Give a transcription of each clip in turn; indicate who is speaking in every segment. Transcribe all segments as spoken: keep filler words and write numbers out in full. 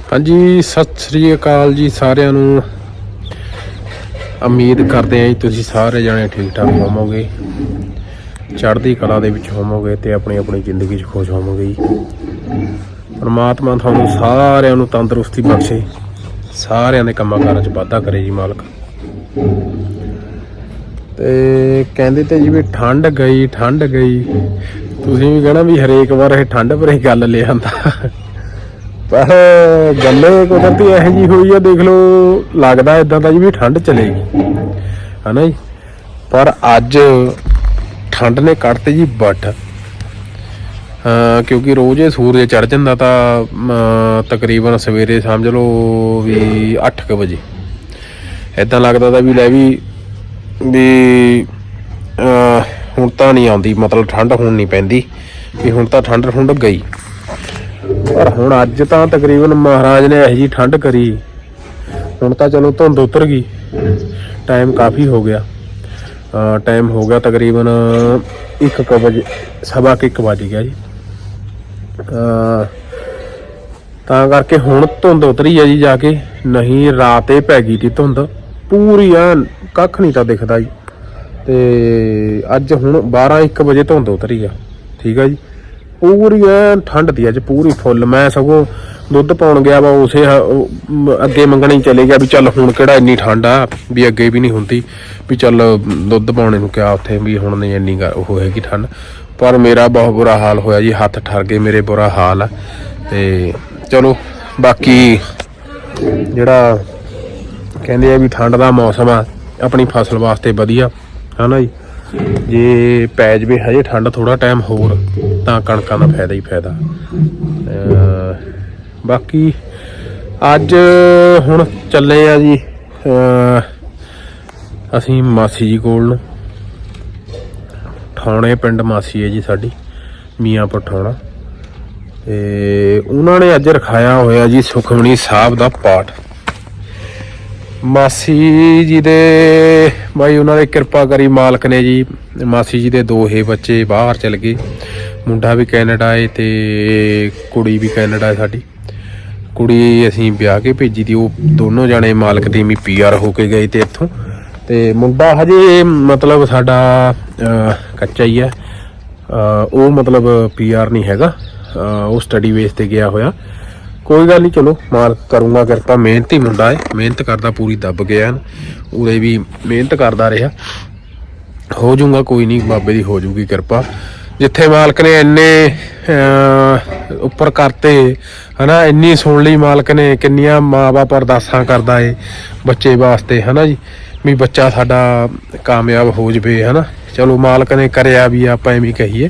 Speaker 1: ਹਾਂਜੀ, ਸਤਿ ਸ੍ਰੀ ਅਕਾਲ ਜੀ ਸਾਰਿਆਂ ਨੂੰ। ਉਮੀਦ ਕਰਦੇ ਹਾਂ ਜੀ ਤੁਸੀਂ ਸਾਰੇ ਜਣੇ ਠੀਕ ਠਾਕ ਹੋਵੋਗੇ, ਚੜ੍ਹਦੀ ਕਲਾ ਦੇ ਵਿੱਚ ਹੋਵੋਗੇ ਤੇ ਆਪਣੀ ਆਪਣੀ ਜ਼ਿੰਦਗੀ 'ਚ ਖੁਸ਼ ਹੋਵੋਗੇ ਜੀ। ਪਰਮਾਤਮਾ ਤੁਹਾਨੂੰ ਸਾਰਿਆਂ ਨੂੰ ਤੰਦਰੁਸਤੀ ਬਖਸ਼ੇ, ਸਾਰਿਆਂ ਦੇ ਕੰਮਾਂ ਕਾਰਾਂ 'ਚ ਵਾਧਾ ਕਰੇ ਜੀ ਮਾਲਕ। ਤੇ ਕਹਿੰਦੇ ਤੇ ਜੀ ਵੀ ਠੰਡ ਗਈ ਠੰਡ ਗਈ, ਤੁਸੀਂ ਵੀ ਕਹਿਣਾ ਵੀ ਹਰੇਕ ਵਾਰ ਇਹ ਠੰਡ ਪਰ ਹੀ ਗੱਲ ਲੈ ਆਂਦਾ, ਪਰ ਗੱਲ ਕੁਦਰਤੀ ਇਹੋ ਜਿਹੀ ਹੋਈ ਆ। ਦੇਖ ਲਓ, ਲੱਗਦਾ ਇੱਦਾਂ ਦਾ ਜੀ ਵੀ ਠੰਡ ਚਲੇਗੀ, ਹੈ ਨਾ ਜੀ, ਪਰ ਅੱਜ ਠੰਡ ਨੇ ਕੱਢਤੇ ਜੀ ਵੱਟ। ਕਿਉਂਕਿ ਰੋਜ਼ ਇਹ ਸੂਰਜ ਚੜ੍ਹ ਜਾਂਦਾ ਤਾਂ ਤਕਰੀਬਨ ਸਵੇਰੇ ਸਮਝ ਲਓ ਵੀ ਅੱਠ ਕੁ ਵਜੇ ਇੱਦਾਂ ਲੱਗਦਾ ਤਾ ਵੀ ਲੈ ਵੀ ਵੀ ਹੁਣ ਤਾਂ ਨਹੀਂ ਆਉਂਦੀ, ਮਤਲਬ ਠੰਡ ਹੁਣ ਨਹੀਂ ਪੈਂਦੀ ਵੀ ਹੁਣ ਤਾਂ ਠੰਡ ਠੁੰਡ ਗਈ। ਪਰ ਹੁਣ ਅੱਜ ਤਾਂ ਤਕਰੀਬਨ ਮਹਾਰਾਜ ਨੇ ਇਹੋ ਜਿਹੀ ਠੰਡ ਕਰੀ, ਹੁਣ ਤਾਂ ਚਲੋ ਧੁੰਦ ਉਤਰ ਗਈ, ਟਾਈਮ ਕਾਫੀ ਹੋ ਗਿਆ, ਟਾਈਮ ਹੋ ਗਿਆ ਤਕਰੀਬਨ ਇੱਕ ਕੁ ਵਜੇ, ਸਵਾ ਕੁ ਇੱਕ ਵੱਜ ਗਿਆ ਜੀ। ਤਾਂ ਕਰਕੇ ਹੁਣ ਧੁੰਦ ਉਤਰੀ ਆ ਜੀ ਜਾ ਕੇ, ਨਹੀਂ ਰਾਤ ਇਹ ਪੈ ਗਈ ਤੀ ਧੁੰਦ ਪੂਰੀ, ਐਨ ਕੱਖ ਨਹੀਂ ਤਾਂ ਦਿਖਦਾ ਜੀ। ਤੇ ਅੱਜ ਹੁਣ ਬਾਰਾਂ ਇੱਕ ਵਜੇ ਧੁੰਦ ਉਤਰੀ ਆ, ਠੀਕ ਆ ਜੀ, ਪੂਰੀ ਐਨ ਠੰਡ ਦੀ ਅੱਜ ਪੂਰੀ ਫੁੱਲ। ਮੈਂ ਸਗੋਂ ਦੁੱਧ ਪਾਉਣ ਗਿਆ ਵਾ, ਉਸੇ ਅੱਗੇ ਮੰਗਣੇ ਹੀ ਚਲੇ ਗਿਆ ਵੀ ਚੱਲ ਹੁਣ ਕਿਹੜਾ ਇੰਨੀ ਠੰਡ ਆ, ਵੀ ਅੱਗੇ ਵੀ ਨਹੀਂ ਹੁੰਦੀ, ਵੀ ਚੱਲ ਦੁੱਧ ਪਾਉਣੇ ਨੂੰ ਕਿਹਾ ਉੱਥੇ ਵੀ ਹੁਣ ਨਹੀਂ ਇੰਨੀ ਉਹ ਹੈਗੀ ਠੰਡ। ਪਰ ਮੇਰਾ ਬਹੁਤ ਬੁਰਾ ਹਾਲ ਹੋਇਆ ਜੀ, ਹੱਥ ਠਰ ਗਏ ਮੇਰੇ, ਬੁਰਾ ਹਾਲ ਆ। ਤੇ ਚਲੋ ਬਾਕੀ ਜਿਹੜਾ ਕਹਿੰਦੇ ਆ ਵੀ ਠੰਡ ਦਾ ਮੌਸਮ ਆ ਆਪਣੀ ਫਸਲ ਵਾਸਤੇ ਵਧੀਆ, ਹੈ ਨਾ ਜੀ। ਜੇ ਪੈ ਜਾਵੇ ਹਜੇ ਠੰਡ ਥੋੜ੍ਹਾ ਟਾਈਮ ਹੋਰ ਤਾਂ ਕਣਕਾਂ ਦਾ ਫਾਇਦਾ ਹੀ ਫਾਇਦਾ। ਬਾਕੀ ਅੱਜ ਹੁਣ ਚੱਲੇ ਆ ਜੀ ਅਸੀਂ ਮਾਸੀ ਜੀ ਕੋਲ ਨੂੰ, ਠਾਉਣੇ ਪਿੰਡ ਮਾਸੀ ਹੈ ਜੀ ਸਾਡੀ, ਮੀਆਂਪੁਰ ਠਾਉਣਾ। ਤੇ ਉਹਨਾਂ ਨੇ ਅੱਜ ਰਖਾਇਆ ਹੋਇਆ ਜੀ ਸੁਖਮਨੀ ਸਾਹਿਬ ਦਾ ਪਾਠ। ਮਾਸੀ ਜੀ ਦੇ ਬਾਈ ਉਹਨਾਂ ਦੇ ਕਿਰਪਾ ਕਰੀ ਮਾਲਕ ਨੇ ਜੀ। ਮਾਸੀ ਜੀ ਦੇ ਦੋਹੇ ਬੱਚੇ ਬਾਹਰ ਚਲ ਗਏ, ਮੁੰਡਾ ਵੀ ਕੈਨੇਡਾ ਹੈ ਤੇ ਕੁੜੀ ਵੀ ਕੈਨੇਡਾ ਹੈ। ਸਾਡੀ ਕੁੜੀ ਅਸੀਂ ਵਿਆਹ ਕੇ ਭੇਜੀ ਤੀ, ਉਹ ਦੋਨੋਂ ਜਾਣੇ ਮਾਲਕ ਦੀ ਵੀ ਪੀ ਆਰ ਹੋ ਕੇ ਗਏ ਤੇ ਇੱਥੋਂ। ਤੇ ਮੁੰਡਾ ਹਜੇ ਮਤਲਬ ਸਾਡਾ ਕੱਚਾ ਹੀ ਹੈ, ਉਹ ਮਤਲਬ ਪੀ ਆਰ ਨਹੀਂ ਹੈਗਾ, ਉਹ ਸਟੱਡੀ ਬੇਸ ਤੇ ਗਿਆ ਹੋਇਆ। ਕੋਈ ਗੱਲ ਨਹੀਂ, ਚਲੋ ਮਾਲਕ ਕਰੂੰਗਾ ਕਿਰਪਾ, ਮਿਹਨਤੀ ਮੁੰਡਾ ਹੈ, ਮਿਹਨਤ ਕਰਦਾ ਪੂਰੀ ਦੱਬ ਗਿਆ, ਉਹਦੇ ਵੀ ਮਿਹਨਤ ਕਰਦਾ ਰਿਹਾ, ਹੋ ਜਾਊਗਾ ਕੋਈ ਨਹੀਂ, ਬਾਬੇ ਦੀ ਹੋ ਜਾਊਗੀ ਕਿਰਪਾ। ਜਿੱਥੇ ਮਾਲਕ ਨੇ ਇੰਨੇ ਉੱਪਰ ਕਰਤੇ, ਹੈ ਨਾ, ਇੰਨੀ ਸੁਣ ਲਈ ਮਾਲਕ ਨੇ, ਕਿੰਨੀਆਂ ਮਾਂ ਬਾਪ ਅਰਦਾਸਾਂ ਕਰਦਾ ਏ ਬੱਚੇ ਵਾਸਤੇ, ਹੈ ਨਾ ਜੀ, ਵੀ ਬੱਚਾ ਸਾਡਾ ਕਾਮਯਾਬ ਹੋ ਜਾਵੇ, ਹੈ ਨਾ। ਚਲੋ ਮਾਲਕ ਨੇ ਕਰਿਆ ਵੀ, ਆਪਾਂ ਐਵੇਂ ਕਹੀਏ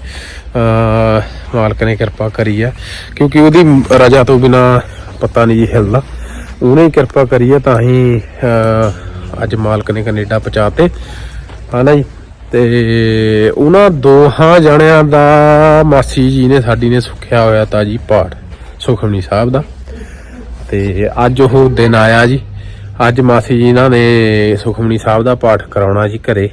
Speaker 1: ਮਾਲਕ ਨੇ ਕਿਰਪਾ ਕਰੀ ਆ, ਕਿਉਂਕਿ ਉਹਦੀ ਰਜਾ ਤੋਂ ਬਿਨਾਂ ਪਤਾ ਨਹੀਂ ਜੀ ਹਿਲਦਾ, ਉਹਨੇ ਕਿਰਪਾ ਕਰੀ ਆ ਤਾਂ ਹੀ ਅੱਜ ਮਾਲਕ ਨੇ ਕੈਨੇਡਾ ਪਹੁੰਚਾ ਤੇ, ਹੈ ਨਾ ਜੀ। ਤੇ ਉਹਨਾਂ ਦੋਹਾਂ ਜਣਿਆਂ ਦਾ ਮਾਸੀ ਜੀ ਨੇ ਸਾਡੀ ਨੇ ਸੁੱਖਿਆ ਹੋਇਆ ਤਾਂ ਜੀ ਪਾਠ ਸੁਖਮਨੀ ਸਾਹਿਬ ਦਾ। ਤੇ ਅੱਜ ਉਹ ਦਿਨ ਆਇਆ ਜੀ, ਅੱਜ ਮਾਸੀ ਜੀ ਇਹਨਾਂ ਨੇ ਸੁਖਮਨੀ ਸਾਹਿਬ ਦਾ ਪਾਠ ਕਰਾਉਣਾ ਜੀ ਘਰੇ।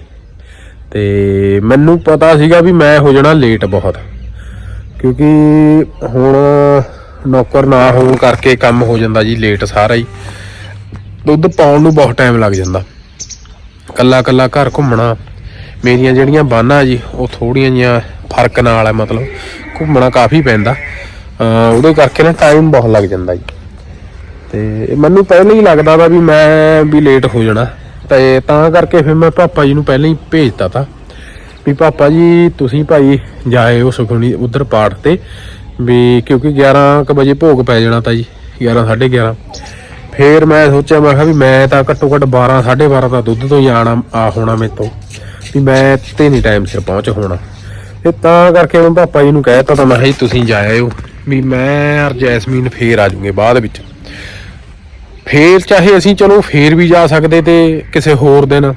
Speaker 1: ਤੇ ਮੈਨੂੰ ਪਤਾ ਸੀਗਾ ਵੀ ਮੈਂ ਹੋ ਜਾਣਾ ਲੇਟ ਬਹੁਤ, ਕਿਉਂਕਿ ਹੁਣ ਨੌਕਰ ਨਾ ਹੋਣ ਕਰਕੇ ਕੰਮ ਹੋ ਜਾਂਦਾ ਜੀ ਲੇਟ ਸਾਰਾ ਹੀ। ਦੁੱਧ ਪਾਉਣ ਨੂੰ ਬਹੁਤ ਟਾਈਮ ਲੱਗ ਜਾਂਦਾ, ਕੱਲਾ ਕੱਲਾ ਘਰ ਘੁੰਮਣਾ, ਮੇਰੀਆਂ ਜਿਹੜੀਆਂ ਬਾਨਾਂ ਜੀ ਉਹ ਥੋੜ੍ਹੀਆਂ ਜਿਹੀਆਂ ਫਰਕ ਨਾਲ ਹੈ, ਮਤਲਬ ਘੁੰਮਣਾ ਕਾਫੀ ਪੈਂਦਾ, ਉਹਦੇ ਕਰਕੇ ਨਾ ਟਾਈਮ ਬਹੁਤ ਲੱਗ ਜਾਂਦਾ ਜੀ। ਤੇ ਮੈਨੂੰ ਪਹਿਲਾਂ ਹੀ ਲੱਗਦਾ ਤਾ ਵੀ ਮੈਂ ਵੀ ਲੇਟ ਹੋ ਜਾਣਾ, ਤੇ ਤਾਂ ਕਰਕੇ ਫਿਰ ਮੈਂ ਪਾਪਾ ਜੀ ਨੂੰ ਪਹਿਲਾਂ ਹੀ ਭੇਜਤਾ ਤਾ ਵੀ ਪਾਪਾ ਜੀ ਤੁਸੀਂ ਭਾਈ ਜਾਏ ਉਹ ਸੁਖਮਨੀ ਉੱਧਰ ਪਾਠ ਤੇ, ਵੀ ਕਿਉਂਕਿ ਗਿਆਰਾਂ ਕੁ ਵਜੇ ਭੋਗ ਪੈ ਜਾਣਾ ਤਾ ਜੀ, ਗਿਆਰਾਂ ਸਾਢੇ ਗਿਆਰਾਂ। ਫਿਰ ਮੈਂ ਸੋਚਿਆ, ਮੈਂ ਕਿਹਾ ਵੀ ਮੈਂ ਤਾਂ ਘੱਟੋ ਘੱਟ ਬਾਰਾਂ ਸਾਢੇ ਬਾਰਾਂ ਤਾਂ ਦੁੱਧ ਤੋਂ ਹੀ ਆਉਣਾ ਆ ਹੋਣਾ ਮੇਰੇ ਤੋਂ, ਵੀ ਮੈਂ ਤੇ ਨਹੀਂ ਟਾਈਮ ਸਿਰ ਪਹੁੰਚ ਹੋਣਾ। ਤੇ ਤਾਂ ਕਰਕੇ ਮੈਂ ਪਾਪਾ ਜੀ ਨੂੰ ਕਹਿ ਦਿੱਤਾ ਤਾਂ ਮੈਂ ਕਿਹਾ ਜੀ ਤੁਸੀਂ ਜਾ ਆਇਓ, ਵੀ ਮੈਂ ਔਰ ਜੈਸਮੀਨ ਫੇਰ ਆ ਜਾਊਂਗੇ ਬਾਅਦ ਵਿੱਚ। ਫੇਰ ਚਾਹੇ ਅਸੀਂ ਚਲੋ ਫੇਰ ਵੀ ਜਾ ਸਕਦੇ ਤੇ ਕਿਸੇ ਹੋਰ ਦਿਨ,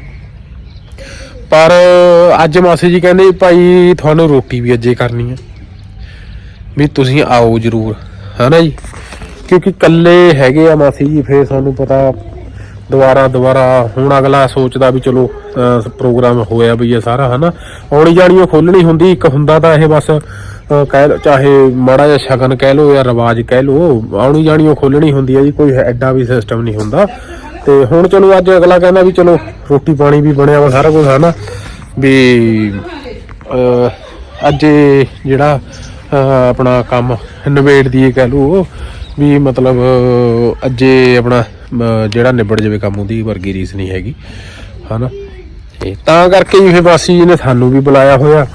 Speaker 1: ਪਰ ਅੱਜ ਮਾਸੀ ਜੀ ਕਹਿੰਦੇ ਭਾਈ ਤੁਹਾਨੂੰ ਰੋਟੀ ਵੀ ਅੱਜੇ ਕਰਨੀ ਹੈ, ਵੀ ਤੁਸੀਂ ਆਓ ਜ਼ਰੂਰ, ਹੈ ਨਾ ਜੀ। ਕਿਉਂਕਿ ਇਕੱਲੇ ਹੈਗੇ ਆ ਮਾਸੀ ਜੀ, ਫਿਰ ਸਾਨੂੰ ਪਤਾ ਦੁਬਾਰਾ ਦੁਬਾਰਾ ਹੁਣ ਅਗਲਾ ਸੋਚਦਾ ਵੀ ਚਲੋ ਪ੍ਰੋਗਰਾਮ ਹੋਇਆ ਵੀ ਇਹ ਸਾਰਾ, ਹੈ ਨਾ, ਆਉਣੀ ਜਾਣੀ ਉਹ ਖੋਲ੍ਹਣੀ ਹੁੰਦੀ। ਇੱਕ ਹੁੰਦਾ ਤਾਂ ਇਹ ਬਸ ਅਹ ਕਹਿ ਲਓ ਚਾਹੇ ਮਾੜਾ ਜਿਹਾ ਸ਼ਗਨ ਕਹਿ ਲਓ ਜਾਂ ਰਿਵਾਜ ਕਹਿ ਲਓ, ਆਉਣੀ ਜਾਣੀ ਉਹ ਖੋਲਣੀ ਹੁੰਦੀ ਹੈ ਜੀ, ਕੋਈ ਐਡਾ ਵੀ ਸਿਸਟਮ ਨਹੀਂ ਹੁੰਦਾ। ਤੇ ਹੁਣ ਚਲੋ ਅੱਜ ਅਗਲਾ ਕਹਿੰਦਾ ਵੀ ਚਲੋ ਰੋਟੀ ਪਾਣੀ ਵੀ ਬਣਿਆ ਵਾ ਸਾਰਾ ਕੁਝ, ਹੈ ਨਾ ਵੀ ਅੱਜ ਜਿਹੜਾ ਆਪਣਾ ਕੰਮ ਨਿਬੇੜ ਦੀਏ ਕਹਿ ਲਓ ਵੀ, ਮਤਲਬ ਅੱਜੇ ਆਪਣਾ ਜਿਹੜਾ ਨਿਬੜ ਜਾਵੇ ਕੰਮ, ਉਹਦੀ ਵਰਗੀ ਰੀਸ ਨਹੀਂ ਹੈਗੀ, ਹੈ ਨਾ। ਤੇ ਤਾਂ ਕਰਕੇ ਜੀ ਫਿਰ ਮਾਸੀ ਜੀ ਨੇ ਸਾਨੂੰ ਵੀ ਬੁਲਾਇਆ ਹੋਇਆ,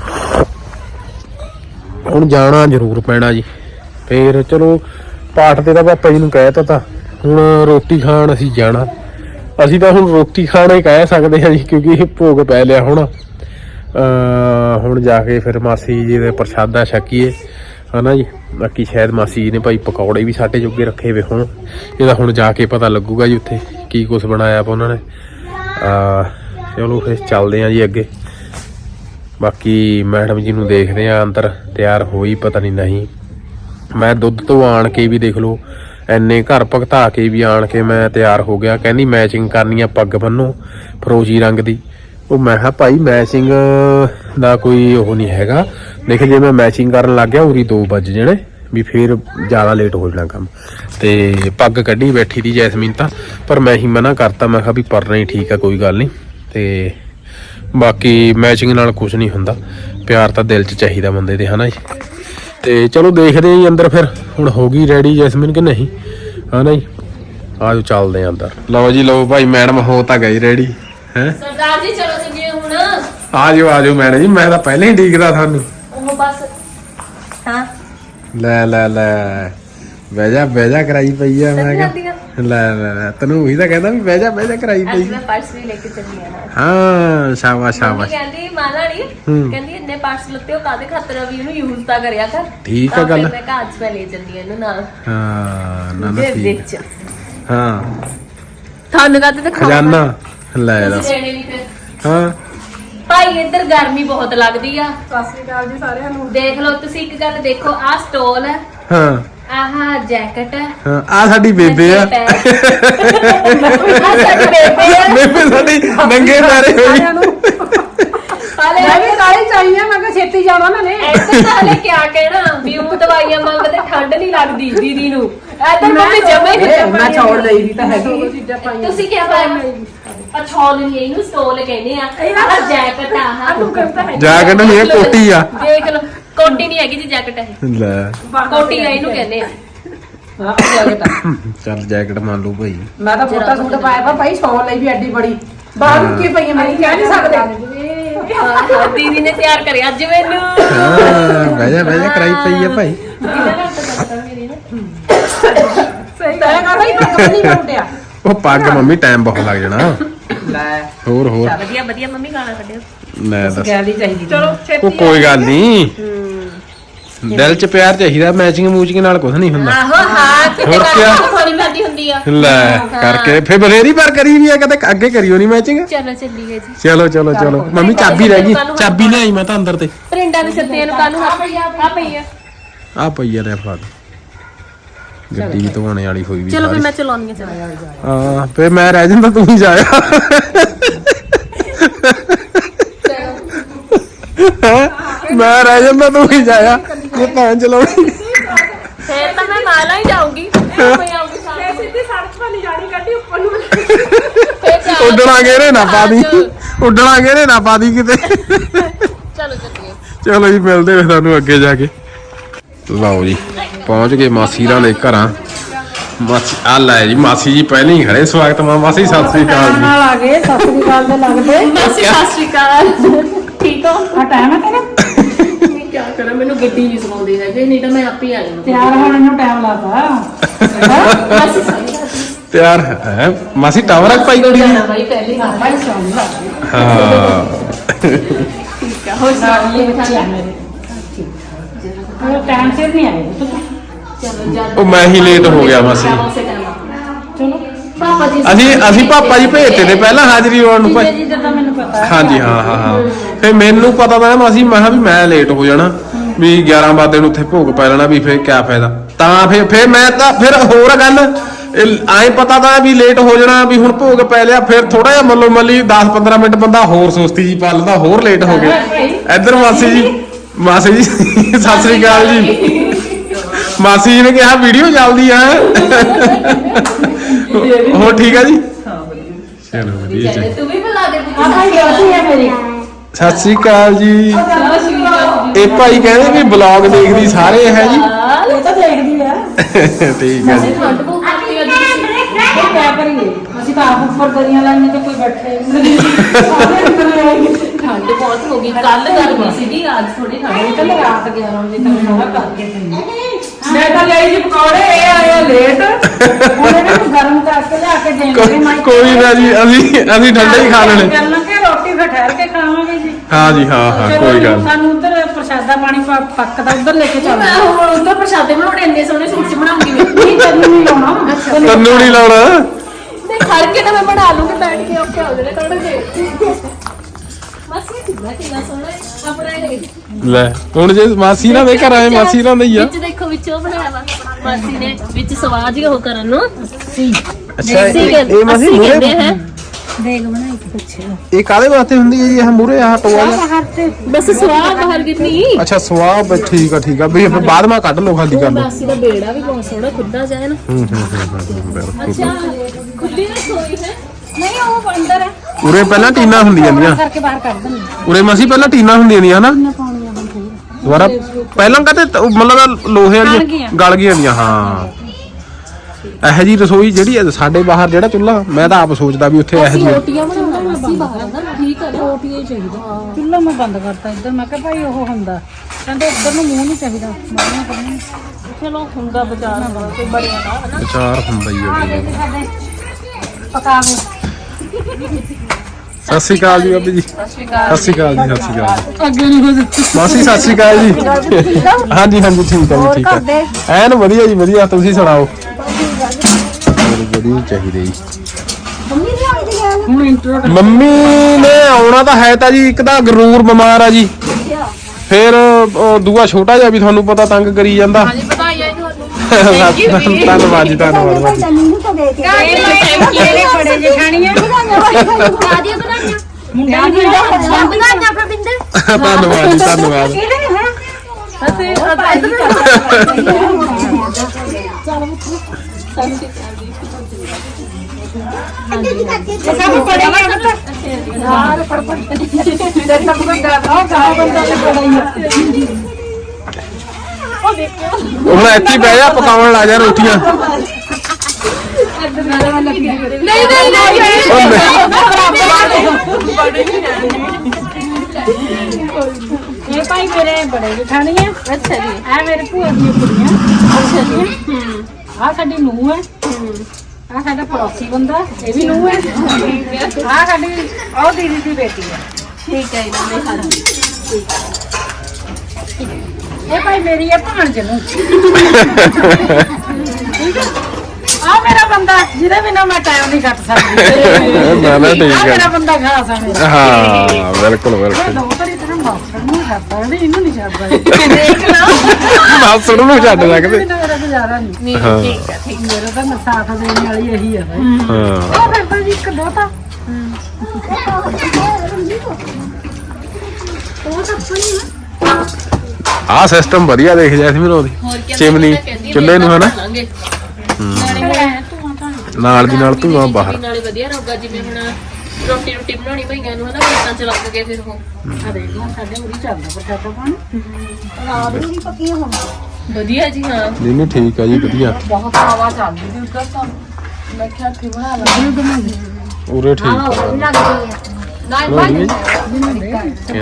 Speaker 1: ਹੁਣ ਜਾਣਾ ਜ਼ਰੂਰ ਪੈਣਾ ਜੀ। ਫਿਰ ਚਲੋ ਪਾਠ ਤੇ ਤਾਂ ਪਾਪਾ ਜੀ ਨੂੰ ਕਹਿ ਤਾ ਤਾ, ਹੁਣ ਰੋਟੀ ਖਾਣ ਅਸੀਂ ਜਾਣਾ। ਅਸੀਂ ਤਾਂ ਹੁਣ ਰੋਟੀ ਖਾਣਾ ਹੀ ਕਹਿ ਸਕਦੇ ਹਾਂ ਜੀ, ਕਿਉਂਕਿ ਭੋਗ ਪੈ ਲਿਆ ਹੁਣ। ਹੁਣ ਜਾ ਕੇ ਫਿਰ ਮਾਸੀ ਜੀ ਦੇ ਪ੍ਰਸ਼ਾਦਾ ਛਕੀਏ, ਹੈ ਨਾ ਜੀ। ਬਾਕੀ ਸ਼ਾਇਦ ਮਾਸੀ ਜੀ ਨੇ ਭਾਈ ਪਕੌੜੇ ਵੀ ਸਾਡੇ ਜੋਗੇ ਰੱਖੇ ਵੇ ਹੁਣ, ਇਹਦਾ ਹੁਣ ਜਾ ਕੇ ਪਤਾ ਲੱਗੂਗਾ ਜੀ ਉੱਥੇ ਕੀ ਕੁਛ ਬਣਾਇਆ ਵਾ ਉਹਨਾਂ ਨੇ। ਚਲੋ ਫਿਰ ਚੱਲਦੇ ਹਾਂ ਜੀ ਅੱਗੇ। ਬਾਕੀ ਮੈਡਮ ਜੀ ਨੂੰ ਦੇਖਦੇ ਆ ਅੰਦਰ ਤਿਆਰ ਹੋਈ ਪਤਾ ਨਹੀਂ ਨਹੀਂ। ਮੈਂ ਦੁੱਧ ਤੋਂ ਆਣ ਕੇ ਵੀ ਦੇਖ ਲਓ, ਇੰਨੇ ਘਰ ਭਗਤਾ ਕੇ ਵੀ ਆਣ ਕੇ ਮੈਂ ਤਿਆਰ ਹੋ ਗਿਆ। ਕਹਿੰਦੀ ਮੈਚਿੰਗ ਕਰਨੀ ਆ, ਪੱਗ ਬੰਨੋ ਫਰੋਜੀ ਰੰਗ ਦੀ। ਉਹ ਮੈਂ ਕਿਹਾ ਭਾਈ ਮੈਚਿੰਗ ਦਾ ਕੋਈ ਉਹ ਨਹੀਂ ਹੈਗਾ, ਦੇਖ ਜੇ ਮੈਂ ਮੈਚਿੰਗ ਕਰਨ ਲੱਗ ਗਿਆ ਉਰੀ ਦੋ ਵੱਜ ਜਾਣੇ ਵੀ, ਫਿਰ ਜ਼ਿਆਦਾ ਲੇਟ ਹੋ ਜਾਣਾ ਕੰਮ। ਤੇ ਪੱਗ ਕੱਢੀ ਬੈਠੀ ਦੀ ਜੈਸਮੀਨ ਤਾਂ, ਪਰ ਮੈਂ ਹੀ ਮਨਾ ਕਰਤਾ, ਮੈਂ ਕਿਹਾ ਵੀ ਪਰਨਾ ਹੀ ਠੀਕ ਆ, ਕੋਈ ਗੱਲ ਨਹੀਂ। ਤੇ ਬਾਕੀ ਮੈਚਿੰਗ ਨਾਲ ਕੁਝ ਨਹੀਂ ਹੁੰਦਾ, ਪਿਆਰ ਤਾਂ ਦਿਲ 'ਚ ਚਾਹੀਦਾ ਬੰਦੇ ਦੇ, ਹੈ ਨਾ ਜੀ। ਤੇ ਚਲੋ ਦੇਖਦੇ ਜੀ ਅੰਦਰ ਫਿਰ ਹੁਣ ਹੋ ਗਈ ਰੈਡੀ ਜੈਸਮੀਨ ਕਿ ਨਹੀਂ, ਹੈ ਨਾ ਜੀ। ਆਜੋ ਚੱਲਦੇ ਆ ਅੰਦਰ। ਲਓ ਜੀ ਲਓ ਭਾਈ, ਮੈਡਮ ਹੋ ਤਾਂ ਗਈ ਰੈਡੀ ਹੈ
Speaker 2: ਸਰਦਾਰ ਜੀ। ਚਲੋ ਚੱਲੀਏ ਹੁਣ।
Speaker 1: ਆਜੋ ਆਜੋ ਮੈਡਮ ਜੀ, ਮੈਂ ਤਾਂ ਪਹਿਲਾਂ ਹੀ ਡੀਕਦਾ ਤੁਹਾਨੂੰ।
Speaker 2: ਉਹ ਬਸ ਹਾਂ
Speaker 1: ਲੈ ਲੈ ਲੈ ਬਹਿ ਜਾ ਬਹਿ ਜਾ ਕਰਾਈ ਪਈ ਆ। ਮੈਂ ਕਿਹਾ ਲੈ ਲੈ ਲੈ ਤੈਨੂੰ ਉਹੀ ਤਾਂ ਕਹਿੰਦਾ ਵੀ ਬਹਿ ਜਾ ਬਹਿ ਜਾ ਕਰਾਈ ਪਈ।
Speaker 2: ਅੱਜ ਮੈਂ ਪਰਸ ਵੀ ਲੈ ਕੇ ਚੱਲੀ ਆ ਨਾਲ।
Speaker 1: ਹਾਂ ਸ਼ਾਬਾਸ਼ ਸ਼ਾਬਾਸ਼।
Speaker 2: ਕਹਿੰਦੀ ਮਾਲਾ ਨੀ ਕਹਿੰਦੀ ਇੰਨੇ ਪਰਸ ਲੱਤੇ ਹੋ ਕਾਦੇ ਖਾਤਰ ਆ, ਵੀ ਇਹਨੂੰ ਯੂਜ਼ ਤਾਂ ਕਰਿਆ ਕਰ।
Speaker 1: ਠੀਕ ਆ ਗੱਲ।
Speaker 2: ਮੈਂ ਘਰ ਚ ਮੈਂ ਲੈ ਚੱਲੀ ਆ ਇਹਨੂੰ ਨਾਲ।
Speaker 1: ਹਾਂ ਨਾ ਨਾ ਠੀਕ
Speaker 2: ਵਿੱਚ
Speaker 1: ਹਾਂ
Speaker 2: ਤੁਹਾਨੂੰ ਕਾਤੇ ਤੇ
Speaker 1: ਖਜ਼ਾਨਾ ਲੈ ਲੈ
Speaker 2: ਦੇਣੇ ਨਹੀਂ ਫਿਰ।
Speaker 1: ਹਾਂ
Speaker 2: ਭਾਈ ਇੱਧਰ ਗਰਮੀ ਬਹੁਤ ਲੱਗਦੀ ਆ।
Speaker 3: ਸਤਿ ਸ਼੍ਰੀ ਅਕਾਲ ਜੀ ਸਾਰਿਆਂ ਨੂੰ।
Speaker 2: ਦੇਖ ਲਓ ਤੁਸੀਂ ਇੱਕ ਗੱਲ ਦੇਖੋ, ਆਹ ਸਟੋਲ ਹੈ,
Speaker 1: ਹਾਂ
Speaker 2: ਆਹ ਜੈਕਟ ਹੈ,
Speaker 1: ਹਾਂ ਆ ਸਾਡੀ ਬੇਬੇ ਆ।
Speaker 2: ਆਹ ਸਾਡੀ ਬੇਬੇ ਆ।
Speaker 1: ਬੇਬੇ ਸਾਡੀ ਨੰਗੇ ਪੈਰੇ ਹੋਈ।
Speaker 2: ਹਾਲੇ
Speaker 3: ਮੈਂ ਵੀ ਕਾਲੀ ਚਾਹੀਏ, ਮੈਂ ਕਿਹਾ ਛੇਤੀ ਜਾਣਾ ਨਾ ਨੇ।
Speaker 2: ਇੱਧਰ ਤਾਂ ਹਲੇ ਕਿਆ ਕਹਿਣਾ ਵੀ ਉਹ ਦਵਾਈਆਂ ਮੰਗਦੇ, ਠੰਡ ਨਹੀਂ ਲੱਗਦੀ ਦੀਦੀ ਨੂੰ। ਇੱਧਰ ਮੰਮੀ ਜਮੇ
Speaker 3: ਮੈਂ ਚੌੜ ਲਈ ਵੀ ਤਾਂ ਹੈਗੀ।
Speaker 2: ਤੁਸੀਂ ਕਿਆ ਪਾਇਆ? ਅਛੋਲ ਨਹੀਂ, ਇਹਨੂੰ ਸਟੋਲ ਕਹਿੰਦੇ ਆ। ਆਹ ਜੈਕਟ ਆ, ਆਹ
Speaker 1: ਜੈਕਟ ਨਹੀਂ, ਇਹ ਕੋਟੀ ਆ।
Speaker 2: ਦੇਖ ਲਓ, ਕੋਟੀ ਨਹੀਂ ਹੈਗੀ ਜੀ, ਜੈਕਟ ਹੈ।
Speaker 1: ਲੈ
Speaker 2: ਕੋਟੀ ਆ ਇਹਨੂੰ ਕਹਿੰਦੇ ਆ।
Speaker 3: ਹਾਂ ਜੈਕਟ ਆ।
Speaker 1: ਚੱਲ ਜੈਕਟ ਮੰਨ ਲਓ ਭਾਈ।
Speaker 3: ਮੈਂ ਤਾਂ ਮੋਟਾ ਸੂਟ ਪਾਇਆ ਵਾ ਭਾਈ, ਸੌਣ ਲਈ ਵੀ ਐਡੀ ਬੜੀ ਬਾਹਰ ਨੂੰ ਕੀ ਪਈ ਮੈਂ ਕਹਿ ਨਹੀਂ ਸਕਦੇ।
Speaker 2: ਹਾਂ, ਦੀਦੀ ਨੇ ਤਿਆਰ ਕਰਿਆ ਅੱਜ ਮੈਨੂੰ।
Speaker 1: ਹਾਂ ਬਹਿ ਜਾ ਬਹਿ ਜਾ ਕਰਾਈ ਪਈ ਆ ਭਾਈ।
Speaker 3: ਸਹੀ ਗੱਲ ਹੈ ਭਾਈ, ਪੱਗ ਬੰਨੀ ਮੈਂ ਉੱਡਿਆ।
Speaker 1: ਉਹ ਪੱਗ ਮੰਮੀ ਟਾਈਮ ਬਹੁਤ ਲੱਗ ਜਾਣਾ।
Speaker 3: ਲੈ
Speaker 1: ਹੋਰ ਹੋਰ
Speaker 2: ਵਧੀਆ ਵਧੀਆ ਮੰਮੀ ਗਾਣਾ ਕੱਢਿਓ।
Speaker 1: ਲੈ ਦੱਸ।
Speaker 3: ਕਹਿ ਚਾਹੀਦੀ। ਚਲੋ
Speaker 1: ਉਹ ਕੋਈ ਗੱਲ ਨਹੀਂ, ਦਿਲ 'ਚ ਪਿਆਰ ਚਾਹੀਦਾ, ਮੈਚਿੰਗ ਮੂਚਿੰਗ ਨਾਲ ਕੁਝ ਨਹੀਂ ਹੁੰਦਾ।
Speaker 2: ਆਹੋ ਹਾਂ, ਕਿਤੇ
Speaker 1: ਹੋਰ
Speaker 2: ਗੱਲ
Speaker 1: ਕਿਆ?
Speaker 2: ਹੋਣੀ ਪੈਂਦੀ ਹੁੰਦੀ ਆ।
Speaker 1: ਲੈ ਕਰਕੇ ਫੇਰ ਬਥੇਰੀ ਵਾਰ ਕਰੀ ਵੀ ਆ, ਕਦੇ ਅੱਗੇ ਕਰੀਓ ਨਹੀਂ ਮੈਚਿੰਗ।
Speaker 2: ਚਲੋ ਚੱਲੀਏ ਜੀ।
Speaker 1: ਚਲੋ ਚਲੋ ਚਲੋ ਮੰਮੀ ਚਾਬੀ ਰਹਿ ਗਈ, ਚਾਬੀ ਲਿਆਈ ਮੈਂ ਤਾਂ ਅੰਦਰ ਤੇ।
Speaker 2: ਪ੍ਰਿੰਡਾਂ ਦੇ ਸੱਤੇ ਨੂੰ ਕਾਨੂੰ ਆ ਪਈ ਆ ਪਈ ਆ।
Speaker 1: ਆ ਪਈ ਆ ਲੈ ਫੜ, ਗੱਡੀ ਵੀ ਧੋਣੇ ਵਾਲੀ ਹੋਈ ਵੀ
Speaker 2: ਚਲੋ ਫਿਰ
Speaker 1: ਸਾਰੀ।
Speaker 2: ਮੈਂ ਚਲਾਉਣੀ ਆ। ਚਲੋ
Speaker 1: ਹਾਂ ਫੇਰ ਮੈਂ ਰਹਿ ਜਾਂਦਾ, ਤੂੰ ਹੀ ਜਾਇਆ। ਮੈਂ ਰਹਿ ਜਾਂਦਾ, ਤੂੰ ਹੀ ਜਾਇਆ, ਇਹ ਤਾਂ ਚਲਾਉਣੀ।
Speaker 2: ਫੇਰ ਤਾਂ ਮੈਂ ਮਾਲਾ ਹੀ ਜਾਊਂਗੀ। ਮੈਂ ਆਉਂਗੀ ਸਾਹਮਣੇ।
Speaker 3: ਸਿੱਧੀ ਸੜਕ 'ਤੇ ਨਹੀਂ ਜਾਣੀ, ਗੱਡੀ ਉੱਪਰ ਨੂੰ।
Speaker 1: ਉੱਡਣਾ ਗੇਰੇ ਨਾ ਪਾ ਦੀ, ਉੱਡਣਾ ਗੇਰੇ ਨਾ ਪਾ ਦੀ ਕਿਤੇ।
Speaker 2: ਚਲੋ ਚੱਲੀਏ।
Speaker 1: ਚਲੋ ਜੀ ਮਿਲਦੇ ਵੇ ਤੁਹਾਨੂੰ ਅੱਗੇ ਜਾ ਕੇ। ਲਓ ਜੀ ਪਹੁੰਚ ਗਏ ਮਾਸੀ ਰਾਂ ਦੇ ਘਰਾਂ। ਮਾਸੀ ਆ ਲੈ ਜੀ, ਮਾਸੀ ਜੀ ਪਹਿਲਾਂ ਹੀ ਖੜੇ। ਸਵਾਗਤ ਮਾ ਮਾਸੀ, ਸਤਿ ਸ੍ਰੀ ਅਕਾਲ ਜੀ।
Speaker 3: ਨਾਲ ਆ ਗਏ, ਸਤਿ ਸ਼੍ਰੀ ਅਕਾਲ ਦੇ ਲੱਗਦੇ।
Speaker 2: ਮਾਸੀ ਸਤਿ ਸ਼੍ਰੀ ਅਕਾਲ, ਠੀਕ ਹੋ?
Speaker 3: ਆ ਟਾਈਮ ਹੈ ਤੇਰਾ?
Speaker 2: ਕੀ ਕਰਾਂ, ਮੈਨੂੰ ਗੱਡੀ ਨਹੀਂ ਸਮਾਉਂਦੀ ਹੈਗੇ, ਨਹੀਂ ਤਾਂ ਮੈਂ ਆਪੇ ਹੀ ਆ ਜਾਣਾ।
Speaker 3: ਤਿਆਰ ਹੋਣ ਨੂੰ ਟਾਈਮ ਲੱਗਦਾ।
Speaker 2: ਮਾਸੀ ਸਹੀ ਗੱਲ।
Speaker 1: ਤਿਆਰ ਹੈ ਮਾਸੀ, ਟਾਵਰ ਰੱਖ ਪਾਈ ਕੁੜੀ
Speaker 2: ਜਾਣਾ ਬਾਈ ਪਹਿਲੇ ਹੀ।
Speaker 3: ਭਾਈ ਸੌਂ ਲਾ।
Speaker 1: ਹਾਂ
Speaker 2: ਠੀਕ ਆ, ਹੋ
Speaker 3: ਇਹ ਬੱਚੇ ਆ ਮੇਰੇ। ਉਹ ਟਾਈਮ ਸਿਰ ਨਹੀਂ ਆਏ ਤੁਸੀਂ।
Speaker 2: ਚਲੋ ਜਦ
Speaker 1: ਉਹ ਮੈਂ ਹੀ ਲੇਟ ਹੋ ਗਿਆ ਮਾਸੀ।
Speaker 3: ਚਲੋ
Speaker 2: ਪਾਪਾ ਜੀ
Speaker 1: ਅਸੀਂ ਅਸੀਂ ਪਾਪਾ ਜੀ ਭੇਜਤੇ ਤੇ ਪਹਿਲਾਂ ਹਾਜ਼ਰੀ ਹੋਣ ਨੂੰ ਭਾਈ।
Speaker 3: ਜੀ ਜਦੋਂ ਮੈਨੂੰ ਪਤਾ ਹੈ।
Speaker 1: ਹਾਂਜੀ ਹਾਂ ਹਾਂ ਹਾਂ ਫੇ ਮੈਨੂੰ ਪਤਾ ਤਾਂ ਮਾਸੀ, ਮੈਂ ਕਿਹਾ ਵੀ ਮੈਂ ਲੇਟ ਹੋ ਜਾਣਾ, ਵੀ ਗਿਆਰਾਂ ਵਜੇ ਨੂੰ ਉੱਥੇ ਭੋਗ ਪੈ ਲੈਣਾ, ਵੀ ਫੇਰ ਕਿਆ ਫਾਇਦਾ। ਤਾਂ ਫੇਰ ਫੇਰ ਮੈਂ ਤਾਂ ਫਿਰ ਹੋਰ ਗੱਲ ਐਂ ਪਤਾ ਤਾਂ ਵੀ ਲੇਟ ਹੋ ਜਾਣਾ, ਵੀ ਹੁਣ ਭੋਗ ਪੈ ਲਿਆ, ਫਿਰ ਥੋੜਾ ਜਿਹਾ ਮੱਲੋ ਮੱਲੀ ਦਸ ਪੰਦਰਾਂ ਮਿੰਟ ਬੰਦਾ ਹੋਰ ਸੁਸਤੀ ਜੀ ਪਾ ਲੈਂਦਾ, ਹੋਰ ਲੇਟ ਹੋ ਗਏ। ਇੱਧਰ ਮਾਸੀ ਜੀ ਮਾਸੀ ਜੀ ਸਤਿ ਸ੍ਰੀ ਅਕਾਲ ਜੀ। ਮਾਸੀ ਜੀ ਨੇ ਕਿਹਾ ਵੀਡੀਓ ਚੱਲਦੀ ਆ। ਹੋਰ ਠੀਕ ਆ ਜੀ? ਚਲੋ ਵਧੀਆ ਜੀ।
Speaker 2: ਤੂੰ ਵੀ ਬੁਲਾ ਦੇ
Speaker 3: ਆ ਭਾਈ ਦੋਤੀ ਹੈ ਮੇਰੀ।
Speaker 1: ਸਤਿ ਸ੍ਰੀ ਅਕਾਲ ਜੀ। ਇਹ ਭਾਈ ਕਹਿੰਦੇ ਵੀ ਬਲੌਗ ਦੇਖਦੀ ਸਾਰੇ ਹੈ ਜੀ।
Speaker 3: ਇਹ ਤਾਂ ਦੇਖਦੀ ਆ।
Speaker 1: ਠੀਕ ਹੈ ਜੀ।
Speaker 2: ਠੰਡ ਬਹੁਤ ਕਰਦੀ ਹੈ
Speaker 3: ਇਹ ਕਿਆ ਕਰੀਏ ਅਸੀਂ ਤਾਂ ਆਪ ਉੱਪਰ ਦਰੀਆਂ ਲਾਈਆਂ ਤੇ ਕੋਈ ਬੈਠੇ ਨਹੀਂ। ਸਾਰੇ ਅੰਦਰ ਆਏ।
Speaker 2: ਠੰਡ ਬਹੁਤ ਹੋ ਗਈ ਕੱਲ ਗਰਮੀ ਸੀਗੀ ਅੱਜ ਥੋੜੀ ਠੰਡ
Speaker 3: ਕੱਲ ਰਾਤ ਗਿਆਰਾਂ ਵਜੇ ਤੱਕ ਸੋਣਾ ਕਰਕੇ ਪਈ। ਮੈਂ ਤਾਂ ਲਈ ਜੀ ਪਕੌੜੇ ਇਹ ਆਇਆ ਲੇਟ। ਹੁਣ ਇਹਨਾਂ ਨੂੰ ਗਰਮ ਕਰਕੇ ਲਿਆ ਕੇ ਦੇਣਗੇ ਮੈਂ
Speaker 1: ਕੋਈ ਨਾ ਜੀ ਅਸੀਂ ਅਸੀਂ ਠੰਡੇ ਹੀ ਖਾ ਲੈਣੇ।
Speaker 3: ਚੱਲਣਾ ਕਿ ਰੋਟੀ ਫਿਰ ਠਹਿਰ ਕੇ ਖਾਵਾਂਗੇ ਜੀ।
Speaker 1: ਹਾਂ ਜੀ ਹਾਂ ਹਾਂ ਕੋਈ ਗੱਲ
Speaker 3: ਸਾਨੂੰ ਉਧਰ ਪ੍ਰਸ਼ਾਦਾ ਪਾਣੀ ਪ- ਪੱਕਦਾ ਉਧਰ ਲੈ ਕੇ ਚੱਲ।
Speaker 2: ਮੈਂ ਹੁਣ ਉਧਰ ਪ੍ਰਸ਼ਾਦੇ ਬਣਾਉਣੇ ਇੰਨੇ ਸੋਹਣੇ ਸੂਟ ਚ ਬਣਾਉਂਗੀ ਮੈਂ
Speaker 3: ਨਹੀਂ ਤੈਨੂੰ ਨਹੀਂ ਲਾਉਣਾ।
Speaker 1: ਤੈਨੂੰ ਨਹੀਂ ਲਾਉਣਾ।
Speaker 2: ਮੈਂ ਖੜ ਕੇ ਤਾਂ ਮੈਂ ਬਣਾ ਲੂੰਗੀ ਬੈਠ ਕੇ ਔਖੇ ਹੋ ਜਾਣੇ ਥੋੜੇ ਜਿਹੇ ਬਸ ਇਹ ਕਿੰਨਾ ਕਿੰਨਾ ਸੋਹਣਾ ਹੈ ਆਪਣਾ ਇਹ
Speaker 1: ਲੈ ਹੁਣ ਜੇ ਮਾਸੀ ਨਾਲ ਦੇ ਘਰ ਆਏ ਮਾਸੀ ਨਾਲ ਹੀ ਆ।
Speaker 2: ਵਿੱਚ ਦੇਖੋ ਵਿੱਚ ਉਹ ਬਣਾਇਆ ਵਾ ਮਾਸੀ ਨੇ ਵਿੱਚ ਸਵਾਦ ਹੀ ਉਹ ਕਰਨ ਨੂੰ
Speaker 1: ਅੱਛਾ
Speaker 2: ਅਸੀਂ
Speaker 1: ਇਹ ਇਹ ਮਾਸੀ
Speaker 2: ਅਸੀਂ
Speaker 1: ਮੂਰੇ
Speaker 2: ਕਹਿੰਦੇ ਹੈ
Speaker 3: ਦੇਖ ਬਣਾਈ ਕੇ ਪੁੱਛੇ
Speaker 1: ਇਹ ਕਾਹਦੇ ਵਾਸਤੇ ਹੁੰਦੀ ਹੈ ਜੀ ਇਹ ਮੂਰੇ ਆਹ ਟੋਆ ਜਿਹਾ?
Speaker 3: ਬਾਹਰ ਤੇ
Speaker 2: ਬਸ ਸਵਾਦ ਬਾਹਰ ਕਿੰਨੀ
Speaker 1: ਅੱਛਾ ਸਵਾਬ ਠੀਕ ਆ ਠੀਕ ਆ ਵੀ ਫਿਰ ਬਾਅਦ ਮਾ ਕੱਢ ਲਓ ਖਾਲੀ ਕਰ ਲਓ।
Speaker 2: ਮਾਸੀ ਦਾ ਬੇੜਾ ਵੀ ਬਹੁਤ ਸੋਹਣਾ ਖੁੱਲਾ ਜਾਏ ਨਾ
Speaker 1: ਹੂੰ ਹੂੰ ਹੂੰ ਬਿਲਕੁਲ।
Speaker 2: ਅੱਛਾ ਖੁੱਲੀ ਰਸੋਈ ਹੈ
Speaker 3: ਨਹੀਂ ਉਹ ਅੰਦਰ ਹੈ
Speaker 1: ਉਰੇ ਪਹਿਲਾਂ ਟੀਨਾਂ ਹੁੰਦੀਆਂ ਨੀਆਂ।
Speaker 3: ਕਰਕੇ ਬਾਹਰ ਕੱਢ ਦਿੰਦੇ
Speaker 1: ਉਰੇ ਮਾਸੀ ਪਹਿਲਾਂ ਟੀਨਾਂ ਹੁੰਦੀਆਂ ਨੀਆਂ ਹਨਾ
Speaker 3: ਨਾ ਪਾਉਣੀਆਂ ਹੁਣ ਫੇਰ
Speaker 1: ਦੁਬਾਰਾ ਪਹਿਲਾਂ ਕਹਤੇ ਮਤਲਬ ਲੋਹੇ ਵਾਲੀਆਂ ਗਲ ਗਈਆਂ ਦੀਆਂ। ਹਾਂ ਇਹ ਜੀ ਰਸੋਈ ਜਿਹੜੀ ਹੈ ਸਾਡੇ ਬਾਹਰ ਜਿਹੜਾ ਚੁੱਲ੍ਹਾ ਮੈਂ ਤਾਂ ਆਪ ਸੋਚਦਾ ਵੀ ਉੱਥੇ ਇਹ ਜੀ
Speaker 2: ਰੋਟੀਆਂ ਬਣਾਉਣਾ ਮਾਸੀ ਬਾਹਰ ਦਾ ਠੀਕ ਹੈ
Speaker 3: ਰੋਟੀ ਹੀ ਚਾਹੀਦਾ ਚੁੱਲ੍ਹਾ ਮੈਂ ਬੰਦ ਕਰਤਾ ਇੱਧਰ ਮੈਂ ਕਿਹਾ ਭਾਈ ਉਹ ਹੁੰਦਾ ਕਹਿੰਦੇ ਉੱਧਰ ਨੂੰ ਮੂੰਹ ਨਹੀਂ ਚਾਹੀਦਾ ਮਾਰੀਆਂ ਕਰਨੀ
Speaker 2: ਚਲੋ ਹੁੰਦਾ ਬਾਜ਼ਾਰ ਦਾ ਕੋਈ ਬੜਿਆ ਦਾ ਹਨਾ
Speaker 1: ਅਚਾਰ ਹੁੰਦਾ ਹੀ ਆ ਜੀ।
Speaker 3: ਸਾਡੇ ਪਕਾ ਕੇ
Speaker 1: ਸਤਿ ਸ਼੍ਰੀ ਅਕਾਲ ਜੀ ਬਾਬੀ ਜੀ। ਸਤਿ ਸ਼੍ਰੀ ਅਕਾਲ ਜੀ ਸਤਿ ਸ਼੍ਰੀ ਅਕਾਲ
Speaker 3: ਅੱਗੇ ਨਹੀਂ ਹੋ ਦਿੱਤੀ
Speaker 1: ਮਾਸੀ ਸਤਿ ਸ਼੍ਰੀ ਅਕਾਲ ਜੀ। ਹਾਂਜੀ ਹਾਂਜੀ ਠੀਕ ਹੈ ਜੀ ਠੀਕ ਹੈ ਐਨ ਵਧੀਆ ਜੀ ਵਧੀਆ ਤੁਸੀਂ ਸੁਣਾਓ। ਹੋਰ ਵਧੀਆ ਚਾਹੀਦੇ ਜੀ।
Speaker 3: ਹੁਣ ਇੰਟਰੋ
Speaker 1: ਮੰਮੀ ਨੇ ਆਉਣਾ ਤਾਂ ਹੈ ਤਾਂ ਜੀ ਇੱਕ ਤਾਂ ਗਰੂਰ ਬਿਮਾਰ ਆ ਜੀ ਫਿਰ ਉਹ ਦੂਆ ਛੋਟਾ ਜਿਹਾ ਵੀ ਤੁਹਾਨੂੰ ਪਤਾ ਤੰਗ ਕਰੀ ਜਾਂਦਾ।
Speaker 2: ਹਾਂਜੀ ਵਧਾਈਆਂ ਤੁਹਾਨੂੰ
Speaker 1: ਧੰਨਵਾਦ ਜੀ ਧੰਨਵਾਦ ਜੀ।
Speaker 3: ਕਿਹੜੇ ਬੜੇ ਜਠਾਣੀਆਂ
Speaker 2: ਆਦੀਆਂ ਬਣਾਈਆਂ ਮੁੰਡਾ ਵੀ ਬਣਾਈਆਂ ਪ੍ਰਵਿੰਦਰ
Speaker 1: ਧੰਨਵਾਦ ਜੀ ਧੰਨਵਾਦ।
Speaker 2: ਅਸੀਂ
Speaker 3: ਸਭ ਬੜੇ ਯਾਰ ਫੜ ਫੜ ਤੇ ਸਭ ਨੂੰ ਗਾ ਗਾ ਬੰਦਾ ਤੇ ਬੜਾ ਹੀ
Speaker 1: ਹੁਣ ਇੱਥੇ ਬਹਿ ਜਾ ਪਕਾਉਣ ਲਾ ਜਾ ਰੋਟੀਆਂ।
Speaker 2: ਨਹੀਂ ਨਹੀਂ ਨਹੀਂ
Speaker 3: ਇਹ ਭਾਈ ਮੇਰੇ ਬੜੇ ਜਠਾਣੀਆਂ
Speaker 2: ਅੱਛਾ ਜੀ
Speaker 3: ਆ ਮੇਰੇ ਭੂਆ ਦੀਆਂ ਕੁੜੀਆਂ ਅੱਛਾ ਜੀ ਆ ਸਾਡੀ ਨੂੰਹ ਹੈ ਆ ਸਾਡਾ ਪੜੋਸੀ ਬੰਦਾ ਇਹ ਵੀ ਨੂੰਹ ਹੈ ਆ ਸਾਡੀ ਉਹ ਦੀਦੀ ਦੀ ਬੇਟੀ ਹੈ
Speaker 2: ਠੀਕ ਹੈ ਜੀ ਹਾਂਜੀ
Speaker 3: ਇਹ ਭਾਈ ਮੇਰੀ ਹੈ ਭਾਣਜ ਨੂੰ ਆ ਮੇਰਾ ਬੰਦਾ ਜਿਹਦੇ ਬਿਨਾ ਮੈਂ ਟਾਈਮ ਨਹੀਂ ਕੱਟ ਸਕਦੀ
Speaker 1: ਨਾ ਨਾ ਠੀਕ
Speaker 3: ਆ
Speaker 1: ਹੈ
Speaker 3: ਮੇਰਾ ਬੰਦਾ ਖਾਸ ਹੈ ਮੇਰਾ
Speaker 1: ਹਾਂ ਬਿਲਕੁਲ
Speaker 3: ਇਹ
Speaker 1: ਬਿਲਕੁਲ।
Speaker 3: ਦੋ ਵਾਰੀ ਤਰ੍ਹਾਂ ਮਾਸਟਰ ਨੂੰ ਛੱਡਦਾ ਨਹੀਂ ਇਹਨੂੰ ਨਹੀਂ ਛੱਡਦਾ ਦੇਖ ਲਾ
Speaker 1: ਮਾਸੜ ਨੂੰ ਛੱਡ ਸਕਦੇ।
Speaker 3: ਬਿਨਾਂ ਮੇਰਾ ਗੁਜ਼ਾਰਾ ਨਹੀਂ
Speaker 1: ਹਾਂ
Speaker 2: ਠੀਕ ਹੈ ਠੀਕ
Speaker 3: ਮੇਰਾ ਤਾਂ ਸਾਥ ਦੇਣ ਵਾਲੀ ਇਹੀ ਹੈ ਭਾਈ
Speaker 1: ਹਾਂ
Speaker 3: ਉਹ ਫਿਰਦਾ ਜੀ ਇੱਕ ਦੋਤਾ
Speaker 1: ਆਹ ਸਿਸਟਮ ਵਧੀਆ ਦੇਖ ਜਾ ਸੀ ਮੈਨੂੰ ਉਹਦੀ
Speaker 2: ਹੋਰ ਕੀ
Speaker 1: ਚਿਮਨੀ ਚੁੱਲ੍ਹੇ ਨੂੰ ਹਨਾ
Speaker 2: ਨਾਲੇ
Speaker 1: ਨਾਲ ਦੀ ਨਾਲ ਧੂਆਂ ਬਾਹਰ।
Speaker 2: ਨਾਲੇ ਵਧੀਆ ਰਹੂਗਾ ਜਿਵੇਂ ਹੁਣ ਰੋਟੀ ਰੋਟੀ ਬਣਾਉਣੀ ਭਈਆਂ ਨੂੰ ਹਨਾ ਪੇਟਾਂ ਚ ਲੱਗ ਕੇ ਫਿਰ ਉਹ
Speaker 3: ਆ ਦੇਖ ਲਾ ਸਾਡੇ ਉਰੀ ਚੱਲਦਾ ਪ੍ਰਸ਼ਾਦਾ ਪਾਣੀ ਰਾਤ ਨੂੰ ਵੀ ਪੱਕੀਆਂ ਹੋਣ
Speaker 2: ਵਧੀਆ ਜੀ ਹਾਂ
Speaker 1: ਨਹੀਂ ਨਹੀਂ ਠੀਕ ਆ ਜੀ ਵਧੀਆ
Speaker 3: ਬਹੁਤ ਹਵਾ ਚੱਲਦੀ ਸੀ ਉੱਧਰ ਤਾਂ ਮੈਂ ਕਿਹਾ ਕਿ ਬਣਾ ਲਾ
Speaker 1: ਉਰੇ ਠੀਕ ਆ
Speaker 3: ਲੱਗਦੀ ਹੈ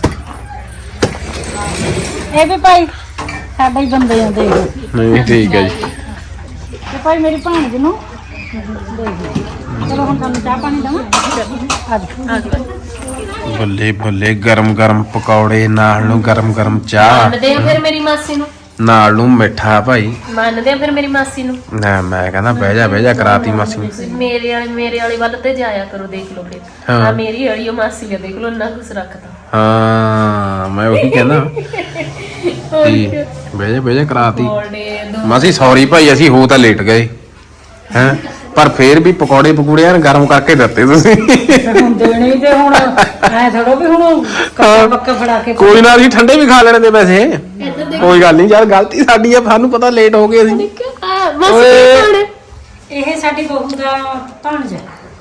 Speaker 3: ਇਹ ਵੀ ਭਾਈ ਸਾਡਾ ਹੀ ਬੰਦੇ ਆ ਦੇਖ
Speaker 1: ਨਹੀਂ ਠੀਕ ਆ ਜੀ।
Speaker 3: ਤੇ ਭਾਈ ਮੇਰੀ ਭਾਣਜ ਨੂੰ ਦੇਖ ਚਲੋ ਹੁਣ ਤੁਹਾਨੂੰ ਚਾਹ ਪਾਣੀ ਦਵਾਂ ਅੱਜ
Speaker 1: ਬੱਲੇ ਬੱਲੇ ਗਰਮ ਗਰਮ ਪਕੌੜੇ ਨਾਲ ਨੂੰ ਗਰਮ ਗਰਮ ਚਾਹ
Speaker 2: ਮੰਨਦੇ ਆ ਫਿਰ ਮੇਰੀ ਮਾਸੀ ਨੂੰ
Speaker 1: ਨਾਲ ਨੂੰ ਮਿੱਠਾ ਭਾਈ।
Speaker 2: ਮੰਨਦੇ ਆ ਫਿਰ ਮੇਰੀ ਮਾਸੀ ਨੂੰ
Speaker 1: ਨਾ ਮੈਂ ਕਹਿੰਦਾ ਬਹਿ ਜਾ ਬਹਿ ਜਾ ਕਰਾਤੀ ਮਾਸੀ ਨੂੰ।
Speaker 2: ਮੇਰੇ ਵਾਲੇ ਮੇਰੇ ਵਾਲੇ ਵੱਲ ਤੇ ਜਾਇਆ ਕਰੋ ਦੇਖ ਲਓ ਫਿਰ
Speaker 1: ਹਾਂ।
Speaker 2: ਆ ਮੇਰੀ ਵਾਲੀ ਉਹ ਮਾਸੀ ਆ ਦੇਖ ਲਓ ਨਾ ਕੁਛ ਰੱਖਦਾ
Speaker 1: ਹਾਂ ਮੈਂ ਉਹੀ ਕਹਿੰਦਾ ਕੀ ਬਹਿ ਜਾ ਬਹਿ ਜਾ ਕਰਾਤੀ
Speaker 2: ਬੋਲਦੇ ਦੋ
Speaker 1: ਮਾਸੀ ਸੌਰੀ ਭਾਈ ਅਸੀਂ ਹੋ ਤਾਂ ਲੇਟ ਗਏ ਹੈ ਪਰ ਫੇਰ ਵੀ ਪਕੌੜੇ ਪਕੂੜੇ ਯਾਰ ਗਰਮ ਕਰਕੇ ਦਿੱਤੇ ਤੁਸੀਂ
Speaker 3: ਹੁਣ ਦੇਣੇ ਹੀ ਤੇ ਹੁਣ ਐ ਥੋੜੋ ਵੀ ਹੁਣ ਕੱਕਾ ਪੱਕਾ ਫੜਾ ਕੇ
Speaker 1: ਕੋਈ ਨਾ ਅਸੀਂ ਠੰਡੇ ਵੀ ਖਾ ਲੈਣੇ ਤੇ ਵੈਸੇ ਕੋਈ ਗੱਲ ਨਹੀਂ ਯਾਰ ਗਲਤੀ ਸਾਡੀ ਆ ਸਾਨੂੰ ਪਤਾ ਲੇਟ ਹੋ ਗਏ ਅਸੀਂ
Speaker 2: ਆ ਮਾਸੀ
Speaker 3: ਇਹ ਸਾਡੀ ਬਹੂ ਦਾ ਭਾਣਜਾ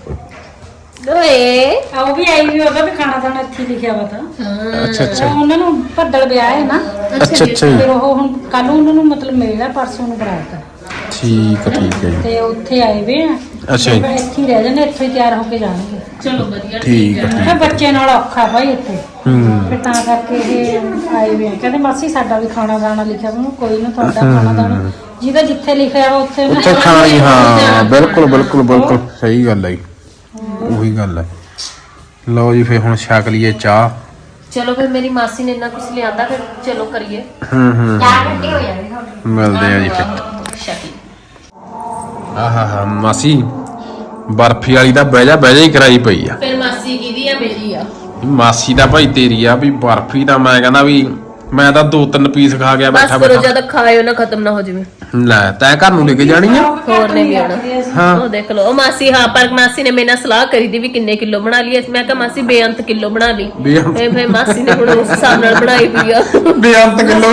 Speaker 2: ਓਏ
Speaker 3: ਆ ਉਹ ਵੀ ਆਈ ਵੀ ਉਹਦਾ ਵੀ ਖਾਣਾ ਦਾਣਾ ਇੱਥੇ ਲਿਖਿਆ ਵਾ ਤਾਂ
Speaker 1: ਅੱਛਾ ਅੱਛਾ
Speaker 3: ਉਹ ਉਹਨਾਂ ਨੂੰ ਭੱਦਲ ਵਿਆਹ ਹੈ ਨਾ
Speaker 1: ਅੱਛਾ ਅੱਛਾ ਜੀ।
Speaker 3: ਫਿਰ ਉਹ ਹੁਣ ਕੱਲ ਨੂੰ ਉਹਨਾਂ ਨੂੰ ਮਤਲਬ ਮਿਲਣਾ ਪਰਸੋਂ ਨੂੰ ਬਰਾਤ
Speaker 1: ਠੀਕ ਆ ਠੀਕ ਹੈ ਜੀ
Speaker 3: ਤੇ ਉੱਥੇ ਆਏ ਵੇ ਆ
Speaker 1: ਅੱਛਾ ਜੀ।
Speaker 3: ਫਿਰ ਇੱਥੇ ਹੀ ਰਹਿ ਜਾਂਦੇ ਇੱਥੇ ਹੀ ਤਿਆਰ ਹੋ ਕੇ ਜਾਣਗੇ
Speaker 2: ਚਲੋ ਵਧੀਆ
Speaker 1: ਠੀਕ ਆ
Speaker 3: ਫਿਰ ਬੱਚੇ ਨਾਲ ਔਖਾ ਭਾਈ ਇੱਥੇ
Speaker 1: ਹੂੰ
Speaker 3: ਫਿਰ ਤਾਂ ਕਰਕੇ ਇਹ ਆਏ ਵੇ ਆ। ਕਹਿੰਦੇ ਮਾਸੀ ਸਾਡਾ ਵੀ ਖਾਣਾ ਦਾਣਾ ਲਿਖਿਆ ਵਾ ਕੋਈ ਨਾ ਤੁਹਾਡਾ ਖਾਣਾ ਦਾਣਾ ਜਿਹਦਾ ਜਿੱਥੇ ਲਿਖਿਆ ਵਾ ਉੱਥੇ
Speaker 1: ਉੱਥੇ ਖਾਣਾ ਹੀ ਹਾਂ ਬਿਲਕੁਲ ਬਿਲਕੁਲ ਬਿਲਕੁਲ ਸਹੀ ਗੱਲ ਹੈ ਜੀ ਉਹੀ ਗੱਲ ਹੈ ਲਓ ਜੀ ਫੇਰ ਹੁਣ ਛਕ ਲਈਏ ਚਾਹ
Speaker 2: ਚਲੋ ਫਿਰ ਮੇਰੀ ਮਾਸੀ ਨੇ ਇੰਨਾ ਕੁਝ ਲਿਆਂਦਾ ਫਿਰ ਚਲੋ ਕਰੀਏ
Speaker 1: ਹੂੰ ਹੂੰ
Speaker 2: ਚਾਹ ਘੰਟੇ ਹੋ ਜਾਣੇ
Speaker 1: ਮਿਲਦੇ ਆ ਜੀ ਫਿਰ
Speaker 2: ਸ਼ਕੀ
Speaker 1: ਆਹਾ ਹਾ ਮਾਸੀ ਬਰਫੀ ਵਾਲੀ ਦਾ ਬਹਿ ਜਾ ਬਹਿ ਜਾ ਹੀ ਕਰਾਈ ਪਈ ਆ
Speaker 2: ਫਿਰ ਮਾਸੀ ਕਿਹਦੀ ਆ ਮੇਰੀ ਆ
Speaker 1: ਮਾਸੀ ਦਾ ਭਾਈ ਤੇਰੀ ਆ ਵੀ ਬਰਫੀ ਦਾ ਮੈਂ ਕਹਿੰਦਾ ਵੀ ਮੈਂ ਤਾਂ ਦੋ ਤਿੰਨ ਪੀਸ ਖਾ ਗਿਆ
Speaker 2: ਬਸ
Speaker 1: ਬੈਠਾ
Speaker 2: ਕਰੋ
Speaker 1: ਬੈਠਾ
Speaker 2: ਜਦ ਖਾਇਓ ਨਾ ਖਤਮ ਨਾ ਹੋ ਜਾਵੇ
Speaker 1: ਲੈ ਤੈਂ ਘਰ ਨੂੰ ਲੈ ਕੇ ਜਾਣੀ ਆ
Speaker 2: ਹੋਰ ਨੇ ਵੀ ਆਉਣਾ
Speaker 1: ਹਾਂ
Speaker 2: ਉਹ ਦੇਖ ਲਓ ਉਹ ਮਾਸੀ ਹਾਂ ਪਰ ਮਾਸੀ ਨੇ ਮੇਰੇ ਨਾਲ ਸਲਾਹ ਕਰੀ ਦੀ ਵੀ ਕਿੰਨੇ ਕਿਲੋ ਬਣਾ ਲਈਏ ਮੈਂ ਕਿਹਾ ਮਾਸੀ ਬੇਅੰਤ ਕਿਲੋ ਬਣਾ ਲਈ
Speaker 1: ਬੇਅੰਤ।
Speaker 2: ਫੇ ਫੇ ਮਾਸੀ ਨੇ ਹੁਣ ਉਸ ਹਿਸਾਬ ਨਾਲ ਬਣਾਈ ਪਈ ਆ
Speaker 1: ਬੇਅੰਤ ਕਿਲੋ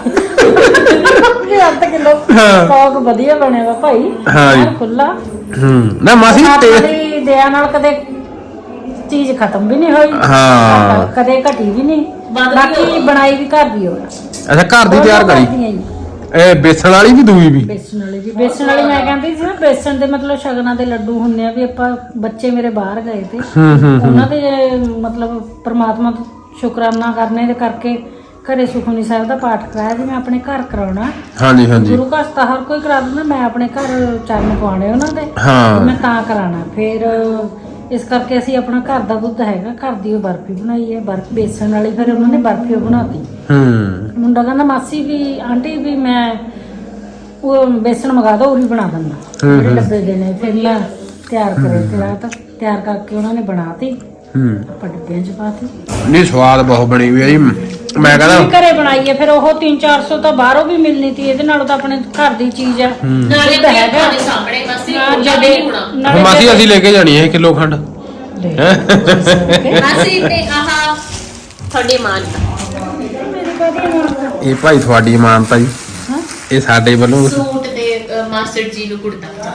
Speaker 3: ਇਹ ਅੱਧ ਕਿਲੋ ਸਟਾਕ ਵਧੀਆ ਬਣਿਆ ਵਾ ਭਾਈ
Speaker 1: ਹਾਂ ਜੀ।
Speaker 3: ਖੁੱਲਾ
Speaker 1: ਹੂੰ ਨਾ ਮਾਸੀ ਤੇ
Speaker 3: ਤੇਰੀ ਦਇਆ ਨਾਲ ਕਦੇ ਚੀਜ਼ ਖਤਮ ਵੀ ਨਹੀਂ ਹੋਈ
Speaker 1: ਹਾਂ
Speaker 3: ਕਦੇ ਘਟੀ ਵੀ ਨਹੀਂ
Speaker 2: ਵੱਧ
Speaker 3: ਬਾਕੀ ਬਣਾਈ ਵੀ ਘਰ ਦੀ ਹੋਣਾ
Speaker 1: ਅੱਛਾ ਘਰ ਦੀ ਤਿਆਰ ਕਰੀ ਇਹ ਬੇਸਣ ਵਾਲੀ ਵੀ ਦੂਈ ਵੀ
Speaker 3: ਬੇਸਣ ਵਾਲੀ ਵੀ ਬੇਸਣ ਵਾਲੀ ਮੈਂ ਕਹਿੰਦੀ ਸੀ ਨਾ ਬੇਸਣ ਦੇ ਮਤਲਬ ਸ਼ਗਨਾਂ ਦੇ ਲੱਡੂ ਹੁੰਦੇ ਆ ਵੀ ਆਪਾਂ ਬੱਚੇ ਮੇਰੇ ਬਾਹਰ ਗਏ ਤੇ
Speaker 1: ਹੂੰ ਹੂੰ
Speaker 3: ਉਹਨਾਂ ਦੇ ਮਤਲਬ ਪ੍ਰਮਾਤਮਾ ਦਾ ਸ਼ੁਕਰਾਨਾ ਕਰਨੇ ਦੇ ਕਰਕੇ ਘਰੇ ਸੁਖਮਨੀ ਸਾਹਿਬ ਦਾ ਪਾਠ ਕਰਾਇਆ ਜੀ ਮੈਂ ਆਪਣੇ ਘਰ ਕਰਾਉਣਾ
Speaker 1: ਹਾਂਜੀ ਹਾਂਜੀ
Speaker 3: ਗੁਰੂ ਘਰ ਤਾਂ ਹਰ ਕੋਈ ਕਰਾ ਦਿੰਦਾ ਮੈਂ ਆਪਣੇ ਘਰ ਚਰਨ ਪਵਾਉਣੇ ਉਹਨਾਂ ਦੇ
Speaker 1: ਹਾਂ
Speaker 3: ਮੈਂ ਤਾਂ ਕਰਾਣਾ ਫਿਰ ਇਸ ਕਰਕੇ ਅਸੀਂ ਆਪਣਾ ਘਰ ਦਾ ਦੁੱਧ ਹੈਗਾ ਘਰ ਦੀ ਉਹ ਬਰਫੀ ਬਣਾਈ ਹੈ ਬਰਫ ਬੇਸਣ ਵਾਲੀ ਫਿਰ ਉਹਨਾਂ ਨੇ ਬਰਫੀ ਬਣਾਤੀ
Speaker 1: ਹੂੰ
Speaker 3: ਮੁੰਡਾ ਕਹਿੰਦਾ ਮਾਸੀ ਵੀ ਆਂਟੀ ਵੀ ਮੈਂ ਉਹ ਬੇਸਣ ਮੰਗਾ ਦੋ ਉਰੀ ਬਣਾ ਦਿੰਦਾ ਜਿਹੜੇ ਡੱਬੇ ਦੇ ਨੇ ਫਿਰ ਮੈਂ ਤਿਆਰ ਕਰੇ ਤੇ ਰਾਤ ਤਿਆਰ ਕਰਕੇ ਉਹਨਾਂ ਨੇ ਬਣਾਤੀ
Speaker 1: ਹੂੰ
Speaker 3: ਆਪਾਂ ਡੱਬਿਆਂ 'ਚ ਪਾਤੀ
Speaker 1: ਨਹੀਂ ਸਵਾਦ ਬਹੁਤ ਬਣੀ ਹੋਈ ਹੈ ਜੀ ਮੈਂ ਕਹਿੰਦਾ
Speaker 3: ਘਰੇ ਬਣਾਈ ਹੈ ਫਿਰ ਉਹ ਤਿੰਨ ਚਾਰ ਸੌ ਤਾਂ ਬਾਹਰੋਂ ਵੀ ਮਿਲਣੀ ਸੀ ਇਹਦੇ ਨਾਲੋਂ ਤਾਂ ਆਪਣੇ ਘਰ ਦੀ ਚੀਜ਼ ਹੈ
Speaker 2: ਨਾਲੇ
Speaker 3: ਦੁੱਧ ਹੈਗਾ।
Speaker 2: ਆਪਣੇ ਸਾਹਮਣੇ ਮਾਸੀ
Speaker 3: ਹਾਂ,
Speaker 2: ਕੋਈ
Speaker 3: ਜਦੋਂ-
Speaker 2: ਨਹੀਂ ਹੋਣਾ
Speaker 3: ਨਾਲੇ
Speaker 1: ਮਾਸੀ ਅਸੀਂ ਲੈ ਕੇ ਜਾਣੀ ਹੈ ਕਿਲੋ ਖੰਡ
Speaker 2: ਮਾਸੀ ਤੇ ਆਹਾ ਤੁਹਾਡੀ ਮਾਂ
Speaker 1: ਇਹ ਭਾਈ ਤੁਹਾਡੀ ਇਮਾਨਤ ਆ ਜੀ ਇਹ ਸਾਡੇ ਵੱਲੋਂ
Speaker 2: ਸੂਟ ਦੇ ਅ, ਮਾਸਟਰ ਜੀ ਨੂੰ ਕੁੜਤਾ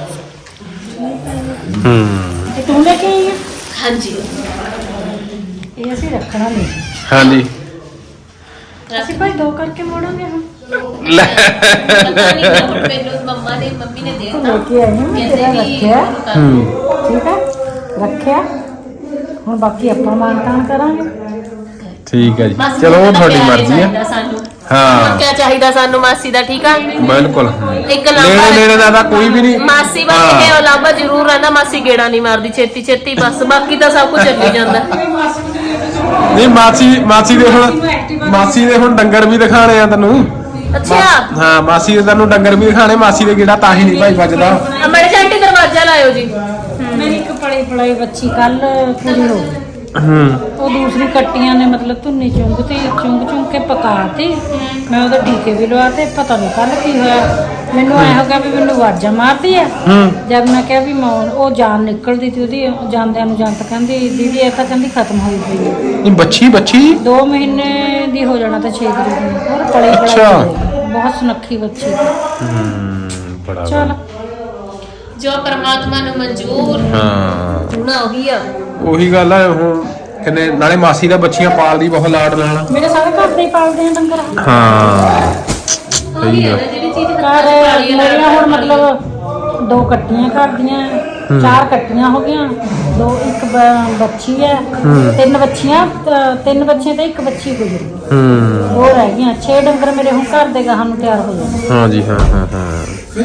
Speaker 1: ਹੂੰ
Speaker 3: ਇਹ ਤੂੰ ਲੈ ਕੇ ਆਈ ਹੈ
Speaker 2: ਹਾਂਜੀ
Speaker 3: ਇਹ ਅਸੀਂ ਰੱਖਣਾ ਨਹੀਂ
Speaker 1: ਹਾਂਜੀ
Speaker 3: ਅਸੀਂ ਭਾਈ ਦੋ ਕਰਕੇ ਮੋੜਾਂਗੇ ਹੁਣ
Speaker 1: ਲੈ
Speaker 2: ਪਤਾ ਨਹੀਂ ਹੁਣ ਮੈਨੂੰ ਮੰਮਾ ਨੇ ਮੰਮੀ ਨੇ ਦੇ
Speaker 3: ਲੈ
Speaker 2: ਦਿੱਤਾ
Speaker 3: ਕੇ ਆਈ ਹਾਂ ਮੈਂ ਤੇਰਾ ਰੱਖਿਆ ਠੀਕ ਹੈ ਰੱਖਿਆ ਹੁਣ ਬਾਕੀ ਆਪਾਂ ਮਾਨਤਾਨ ਕਰਾਂਗੇ
Speaker 1: ਠੀਕ ਹੈ ਜੀ ਚਲੋ ਉਹ ਤੁਹਾਡੀ ਮਰਜ਼ੀ ਹੈ
Speaker 2: ਸਾਨੂੰ
Speaker 1: ਹਾਂ
Speaker 2: ਕੀ ਚਾਹੀਦਾ ਸਾਨੂੰ ਮਾਸੀ ਦਾ ਠੀਕ ਆ
Speaker 1: ਬਿਲਕੁਲ
Speaker 2: ਇੱਕ
Speaker 1: ਨੇੜੇ
Speaker 2: ਲਾਂਬਾ
Speaker 1: ਨੇੜੇ ਦਾ ਤਾਂ ਕੋਈ ਵੀ ਨਹੀਂ
Speaker 2: ਮਾਸੀ ਬਸ
Speaker 1: ਹਾਂ।
Speaker 2: ਇਹ ਲਾਂਬਾ ਜ਼ਰੂਰ ਰਹਿੰਦਾ ਮਾਸੀ ਗੇੜਾ ਨਹੀਂ ਮਾਰਦੀ ਛੇਤੀ ਛੇਤੀ ਬਸ ਬਾਕੀ ਤਾਂ ਸਭ ਕੁਝ ਚੱਲੀ ਜਾਂਦਾ
Speaker 1: ਨਹੀਂ ਮਾਸੀ ਮਾਸੀ ਦੇ ਹੁਣ ਮਾਸੀ ਦੇ ਹੁਣ ਡੰਗਰ ਵੀ ਦਿਖਾਣੇ ਆ ਤੈਨੂੰ
Speaker 2: ਅੱਛਾ
Speaker 1: ਹਾਂ ਮਾਸੀ ਦੇ ਤੈਨੂੰ ਡੰਗਰ ਵੀ ਦਿਖਾਣੇ ਮਾਸੀ ਦੇ ਕਿਹੜਾ ਤਾਂ ਹੀ ਨਹੀਂ ਭਾਈ ਵੱਜਦਾ
Speaker 2: ਅਮੜੇ ਜੰਟੀ ਦਰਵਾਜ਼ਾ ਲਾਇਓ ਜੀ
Speaker 3: ਮੇਰੀ ਇੱਕ ਪੜੀ ਪੜਾਈ ਬੱਚੀ ਕੱਲ ਪੂਰੀ ਹੋ ਗਈ
Speaker 1: ਹੂੰ
Speaker 3: ਉਹ ਦੂਸਰੀ ਕੱਟੀਆਂ ਨੇ ਮਤਲਬ ਧੁੰਨੀ ਚੁੰਗ ਤੇ ਚੁੰਗ ਚੁੰਗ ਕੇ ਪਕਾਤੀ ਮੈਂ ਉਹਦੇ ਟੀਕੇ ਵੀ ਲਵਾਤੇ ਪਤਾ ਨਹੀਂ ਕੱਲ ਕੀ ਹੋਇਆ ਮੈਨੂੰ ਐ ਹੋ ਗਿਆ ਵੀ ਮੈਨੂੰ ਵਾਜਾਂ ਮਾਰਦੀ ਆ
Speaker 1: ਹੂੰ
Speaker 3: ਜਦ ਮੈਂ ਕਿਹਾ ਵੀ ਮੈਂ ਉਹ ਜਾਨ ਨਿਕਲਦੀ ਸੀ ਉਹਦੀ ਜਾਂਦਿਆਂ ਨੂੰ ਜੰਤ ਕਹਿੰਦੀ ਦੀਦੀ ਇਹ ਤਾਂ ਕਹਿੰਦੀ ਖਤਮ ਹੋਈ ਪਈ ਹੈ
Speaker 1: ਇਹ ਬੱਚੀ ਬੱਚੀ
Speaker 3: ਦੋ ਮਹੀਨੇ ਦੀ ਹੋ ਜਾਣਾ ਤਾਂ ਛੇ ਤਰੀਕ ਨੂੰ ਹੋਰ ਪੜੀ
Speaker 1: ਅੱਛਾ।
Speaker 3: ਪੜਾਈ ਬਹੁਤ ਸੁਨੱਖੀ ਬੱਚੀ ਸੀ
Speaker 1: ਹੂੰ ਬੜਾ
Speaker 3: ਚਲ
Speaker 2: ਜੋ ਪਰਮਾਤਮਾ ਨੂੰ ਮਨਜ਼ੂਰ
Speaker 1: ਹਾਂ
Speaker 2: ਹੋਣਾ ਉਹੀ ਆ
Speaker 1: ਉਹੀ ਗੱਲ ਆ ਹੁਣ ਕਿੰਨੇ ਨਾਲੇ ਮਾਸੀ ਦਾ ਬੱਚੀਆਂ ਪਾਲਦੀ ਬਹੁਤ ਲਾਡ ਨਾਲ
Speaker 3: ਮੇਰੇ ਸਾਰੇ ਘਰ ਦੇ ਹੀ ਪਾਲਦੇ ਆ ਡੰਗਰ
Speaker 1: ਹਾਂ
Speaker 2: ਉਹੀ ਆ ਨਾ ਜਿਹੜੀ ਚੀਜ਼
Speaker 3: ਘਰ ਮੇਰੀਆਂ ਹੁਣ ਮਤਲਬ ਦੋ ਕੱਟੀਆਂ ਘਰ ਦੀਆਂ ਚਾਰ ਕੱਟੀਆਂ ਹੋ ਗਈਆਂ ਦੋ ਇੱਕ ਬ- ਬੱਚੀ ਹੈ ਤਿੰਨ ਬੱਚੀਆਂ ਤ- ਤਿੰਨ ਬੱਚੇ ਤੇ ਇੱਕ ਬੱਚੀ ਗੁਜ਼ਰੀ
Speaker 1: ਹੂੰ
Speaker 3: ਹੋਰ ਰਹਿ ਗਈਆਂ ਛੇ ਡੰਗਰ ਮੇਰੇ ਹੁਣ ਘਰ ਦੇ ਗਾਹਾਂ ਨੂੰ ਤਿਆਰ ਹੋ ਜਾਣੇ
Speaker 1: ਹਾਂ ਜੀ ਹਾਂ ਹਾਂ ਹਾਂ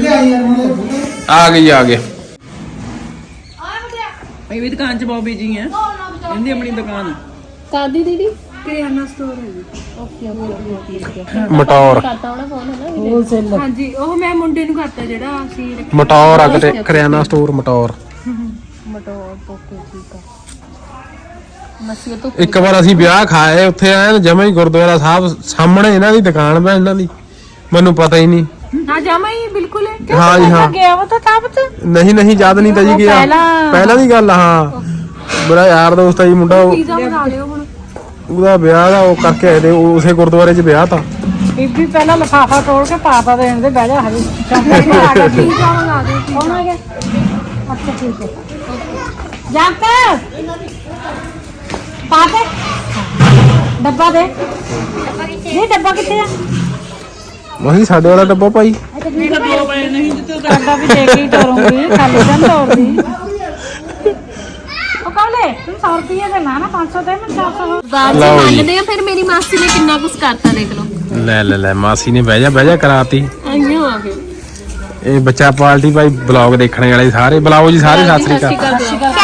Speaker 1: ਆ ਗਈ ਆ ਗਏ
Speaker 4: ਇਹ ਵੀ ਦੁਕਾਨ ਚ ਬਹੁਤ ਬਿਜੀ ਆ ਇਹਦੀ ਆਪਣੀ ਦੁਕਾਨ
Speaker 2: ਕਾਦੀ ਦੀਦੀ
Speaker 4: ਕਿਰਿਆਨਾ ਸਟੋਰ ਹੈ ਜੀ
Speaker 2: ਓਕੇ ਓਕੇ ਓਕੇ
Speaker 1: ਮਟੌਰ
Speaker 2: ਕਰਤਾ ਹੋਣਾ ਫੋਨ ਹੈ ਨਾ
Speaker 3: ਹੋਲਸੇਲ
Speaker 4: ਹਾਂਜੀ ਉਹ ਮੈਂ ਮੁੰਡੇ ਨੂੰ ਕਰਤਾ ਜਿਹੜਾ ਅਸੀਂ
Speaker 1: ਮਟੌਰ ਆ ਕਿਤੇ ਕਰਿਆਨਾ ਸਟੋਰ ਮਟੌਰ
Speaker 2: ਮਟੋਰ ਪੋਕੇ ਠੀਕ ਆ ਮਸੀਹ ਤੋਂ
Speaker 1: ਇੱਕ ਵਾਰ ਅਸੀਂ ਵਿਆਹ ਖਾਏ ਉੱਥੇ ਆਏ ਜਮਾ ਹੀ ਗੁਰਦੁਆਰਾ ਸਾਹਿਬ ਸਾਹਮਣੇ ਇਹਨਾਂ ਦੀ ਦੁਕਾਨ ਪੈ ਇਹਨਾਂ ਦੀ ਮੈਨੂੰ ਪਤਾ ਹੀ ਨਹੀਂ
Speaker 2: ਹਾਂ ਜਾਵਾਂ ਹੀ ਬਿਲਕੁਲ ਹੈ।
Speaker 1: ਹਾਂ ਜੀ ਹਾਂ
Speaker 3: ਗਿਆ ਉਹ ਤਾਂ ਤਾਬਤ
Speaker 1: ਨਹੀਂ ਨਹੀਂ ਯਾਦ ਨਹੀਂ ਤਾਂ ਜੀ ਗਿਆ
Speaker 3: ਪਹਿਲਾਂ-
Speaker 1: ਪਹਿਲਾਂ ਦੀ ਗੱਲ ਆ, ਹਾਂ ਮੇਰਾ ਯਾਰ ਦੋਸਤ ਆ ਜੀ ਮੁੰਡਾ, ਉਹ
Speaker 2: ਪੀਜ਼ਾ ਬਣਾ ਲਿਓ ਹੁਣ।
Speaker 1: ਉਹਦਾ ਵਿਆਹ ਦਾ ਉਹ ਕਰਕੇ ਆਏ ਤੇ ਉਹ ਉਸੇ ਗੁਰਦੁਆਰੇ 'ਚ ਵਿਆਹ ਤਾਂ
Speaker 3: ਬੀਬੀ ਪਹਿਲਾਂ ਲਿਫਾਫਾ ਤੋੜ ਕੇ ਪਾਤਾ ਦੇਣ ਦੇ ਬਹਿ ਜਾ ਹਜੇ ਚੌਂਕੇ ਆ ਗਿਆ
Speaker 2: ਪੀਜ਼ਾ ਮੰਗਾ ਦਿਓ।
Speaker 3: ਕੌਣ ਆ ਗਿਆ ਅੱਛਾ ਠੀਕ ਹੈ ਜਾਪਤਾ ਪਾ ਦੇ ਡੱਬਾ ਦੇ ਨਹੀਂ ਡੱਬਾ ਕਿੱਥੇ ਆ
Speaker 1: ਮਹੀਂ ਸਾਡੇ ਵਾਲਾ ਡੱਬਾ ਭਾਈ
Speaker 4: ਦੋ ਪਏ ਨਹੀਂ ਜਿੱਤੇ
Speaker 3: ਡੱਬਾ ਵੀ ਦੇ ਕੇ ਹੀ ਤੋਰੂੰਗੀ ਖਾਲੀ ਤਾਂ ਤੋਰਦੀ ਉਹ ਕਹਲੇ ਤੂੰ ਸੌ ਰੁਪਏ ਦੇ ਨਾ ਨਾ ਪੰਜ ਸੌ ਦੇ ਮੈਂ ਚਾਰ ਸੌ
Speaker 2: ਬਾਅਦ
Speaker 1: ਲਓ
Speaker 2: ਚ
Speaker 1: ਜੀ।
Speaker 2: ਮੰਨਦੇ ਆ ਫਿਰ ਮੇਰੀ ਮਾਸੀ ਨੇ ਕਿੰਨਾ ਕੁਛ ਕਰਤਾ ਦੇਖ ਲਓ।
Speaker 1: ਲੈ ਲੈ ਲੈ ਮਾਸੀ ਨੇ ਬਹਿ ਜਾ ਬਹਿ ਜਾ ਕਰਾਤੀ।
Speaker 2: ਆਈਓ ਆ ਗਏ।
Speaker 1: ਇਹ ਬੱਚਾ ਪਾਰਟੀ ਭਾਈ ਬਲੌਗ ਦੇਖਣ ਵਾਲੇ ਸਾਰੇ ਬੁਲਾਓ ਜੀ ਸਾਰੇ ਸਤਿ ਸ੍ਰੀ ਅਕਾਲ।
Speaker 2: ਸਤਿ ਸ਼੍ਰੀ ਅਕਾਲ।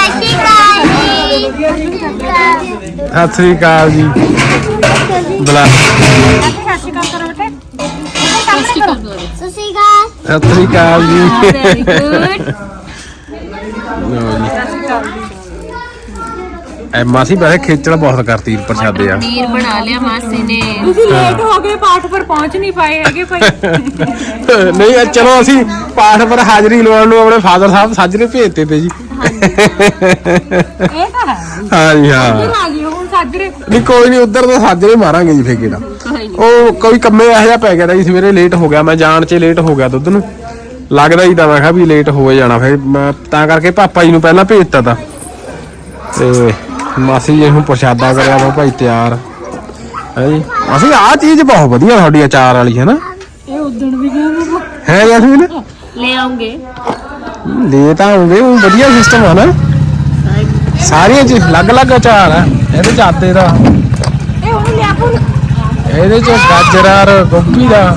Speaker 1: ਸਤਿ ਸ੍ਰੀ ਅਕਾਲ ਜੀ ਬੁਲਾ
Speaker 3: ਸਤਿ ਸ਼੍ਰੀ ਅਕਾਲ ਕਰੋ ਬੇਟੇ
Speaker 2: ਸਤਿ ਸ਼੍ਰੀ ਅਕਾਲ।
Speaker 1: ਸਤਿ ਸ੍ਰੀ ਅਕਾਲ ਜੀ
Speaker 2: ਵੈਰੀ ਗੁੱਡ।
Speaker 1: ਲਓ ਜੀ। ਐ ਮਾਸੀ ਵੈਸੇ ਖੇਚਲ ਬਹੁਤ ਕਰਤੀ ਪ੍ਰਸ਼ਾਦੇ ਆ।
Speaker 2: ਪਨੀਰ ਬਣਾ ਲਿਆ ਮਾਸੀ ਨੇ।
Speaker 3: ਤੁਸੀਂ ਲੇਟ ਹੋ ਗਏ ਪਾਠ ਪਰ ਪਹੁੰਚ ਨਹੀਂ ਪਾਏ ਹੈਗੇ ਭਾਈ
Speaker 1: ਨਹੀਂ ਇਹ ਚਲੋ ਅਸੀਂ ਪਾਠ ਪਰ ਹਾਜ਼ਰੀ ਲਵਾਉਣ ਨੂੰ ਆਪਣੇ ਫਾਦਰ ਸਾਹਿਬ ਸਾਜਰੇ ਭੇਜਤੇ ਤੇ ਜੀ।
Speaker 3: ਇਹ ਤਾਂ ਹੈ
Speaker 1: ਹਾਂ ਜੀ ਹਾਂ
Speaker 3: ਆ ਗਈ ਹੁਣ ਸਾਜਰੇ
Speaker 1: ਨਹੀਂ ਕੋਈ ਨਹੀਂ ਉਧਰ ਤਾਂ ਸਾਜਰੇ ਮਾਰਾਂਗੇ ਜੀ ਫੇਰ ਕਿਹੜਾ ਉਹ ਕੋਈ ਕੰਮੇ ਇਹੋ ਜਿਹਾ ਪੈ ਗਿਆ ਜੀ ਸਵੇਰੇ ਲੇਟ ਹੋ ਗਿਆ ਮੈਂ ਜਾਣ 'ਚ ਲੇਟ ਹੋ ਗਿਆ ਦੁੱਧ ਨੂੰ ਲੱਗਦਾ ਹੀ ਤਾਂ ਮੈਂ ਕਿਹਾ ਵੀ ਲੇਟ ਹੋ ਜਾਣਾ ਫਿਰ ਮੈਂ ਤਾਂ ਕਰਕੇ ਪਾਪਾ ਜੀ ਨੂੰ ਪਹਿਲਾਂ ਭੇਜਤਾ ਤਾ ਤੇ ਮਾਸੀ ਜੀ ਹੁਣ ਪ੍ਰਸ਼ਾਦਾ ਕਰਿਆ ਵਾ ਭਾਈ ਤਿਆਰ ਹੈ ਜੀ। ਅਸੀਂ ਆਹ ਚੀਜ਼ ਬਹੁਤ ਵਧੀਆ ਤੁਹਾਡੀ ਅਚਾਰ ਵਾਲੀ ਹੈ ਨਾ
Speaker 3: ਇਹ ਉਦਣ ਵੀ ਗਿਆ
Speaker 1: ਹੈ ਜੈਸਮੀਨ
Speaker 2: ਲੈ ਆਉਂਗੇ।
Speaker 1: ਲੈ ਤਾਂ ਆਉਂਗੇ ਉਹ ਵਧੀਆ ਸਿਸਟਮ ਆ ਨਾ ਸਾਰੀਆਂ ਚ ਅਲੱਗ-ਅਲੱਗ ਅਚਾਰ ਆ ਇਹਦੇ ਚ ਆਦੇ ਦਾ
Speaker 3: ਇਹ ਹੁਣ ਲਿਆ ਪੁੱਲ
Speaker 1: ਇਹਦੇ ਚ ਗਾਜਰ ਗੋਭੀ ਦਾ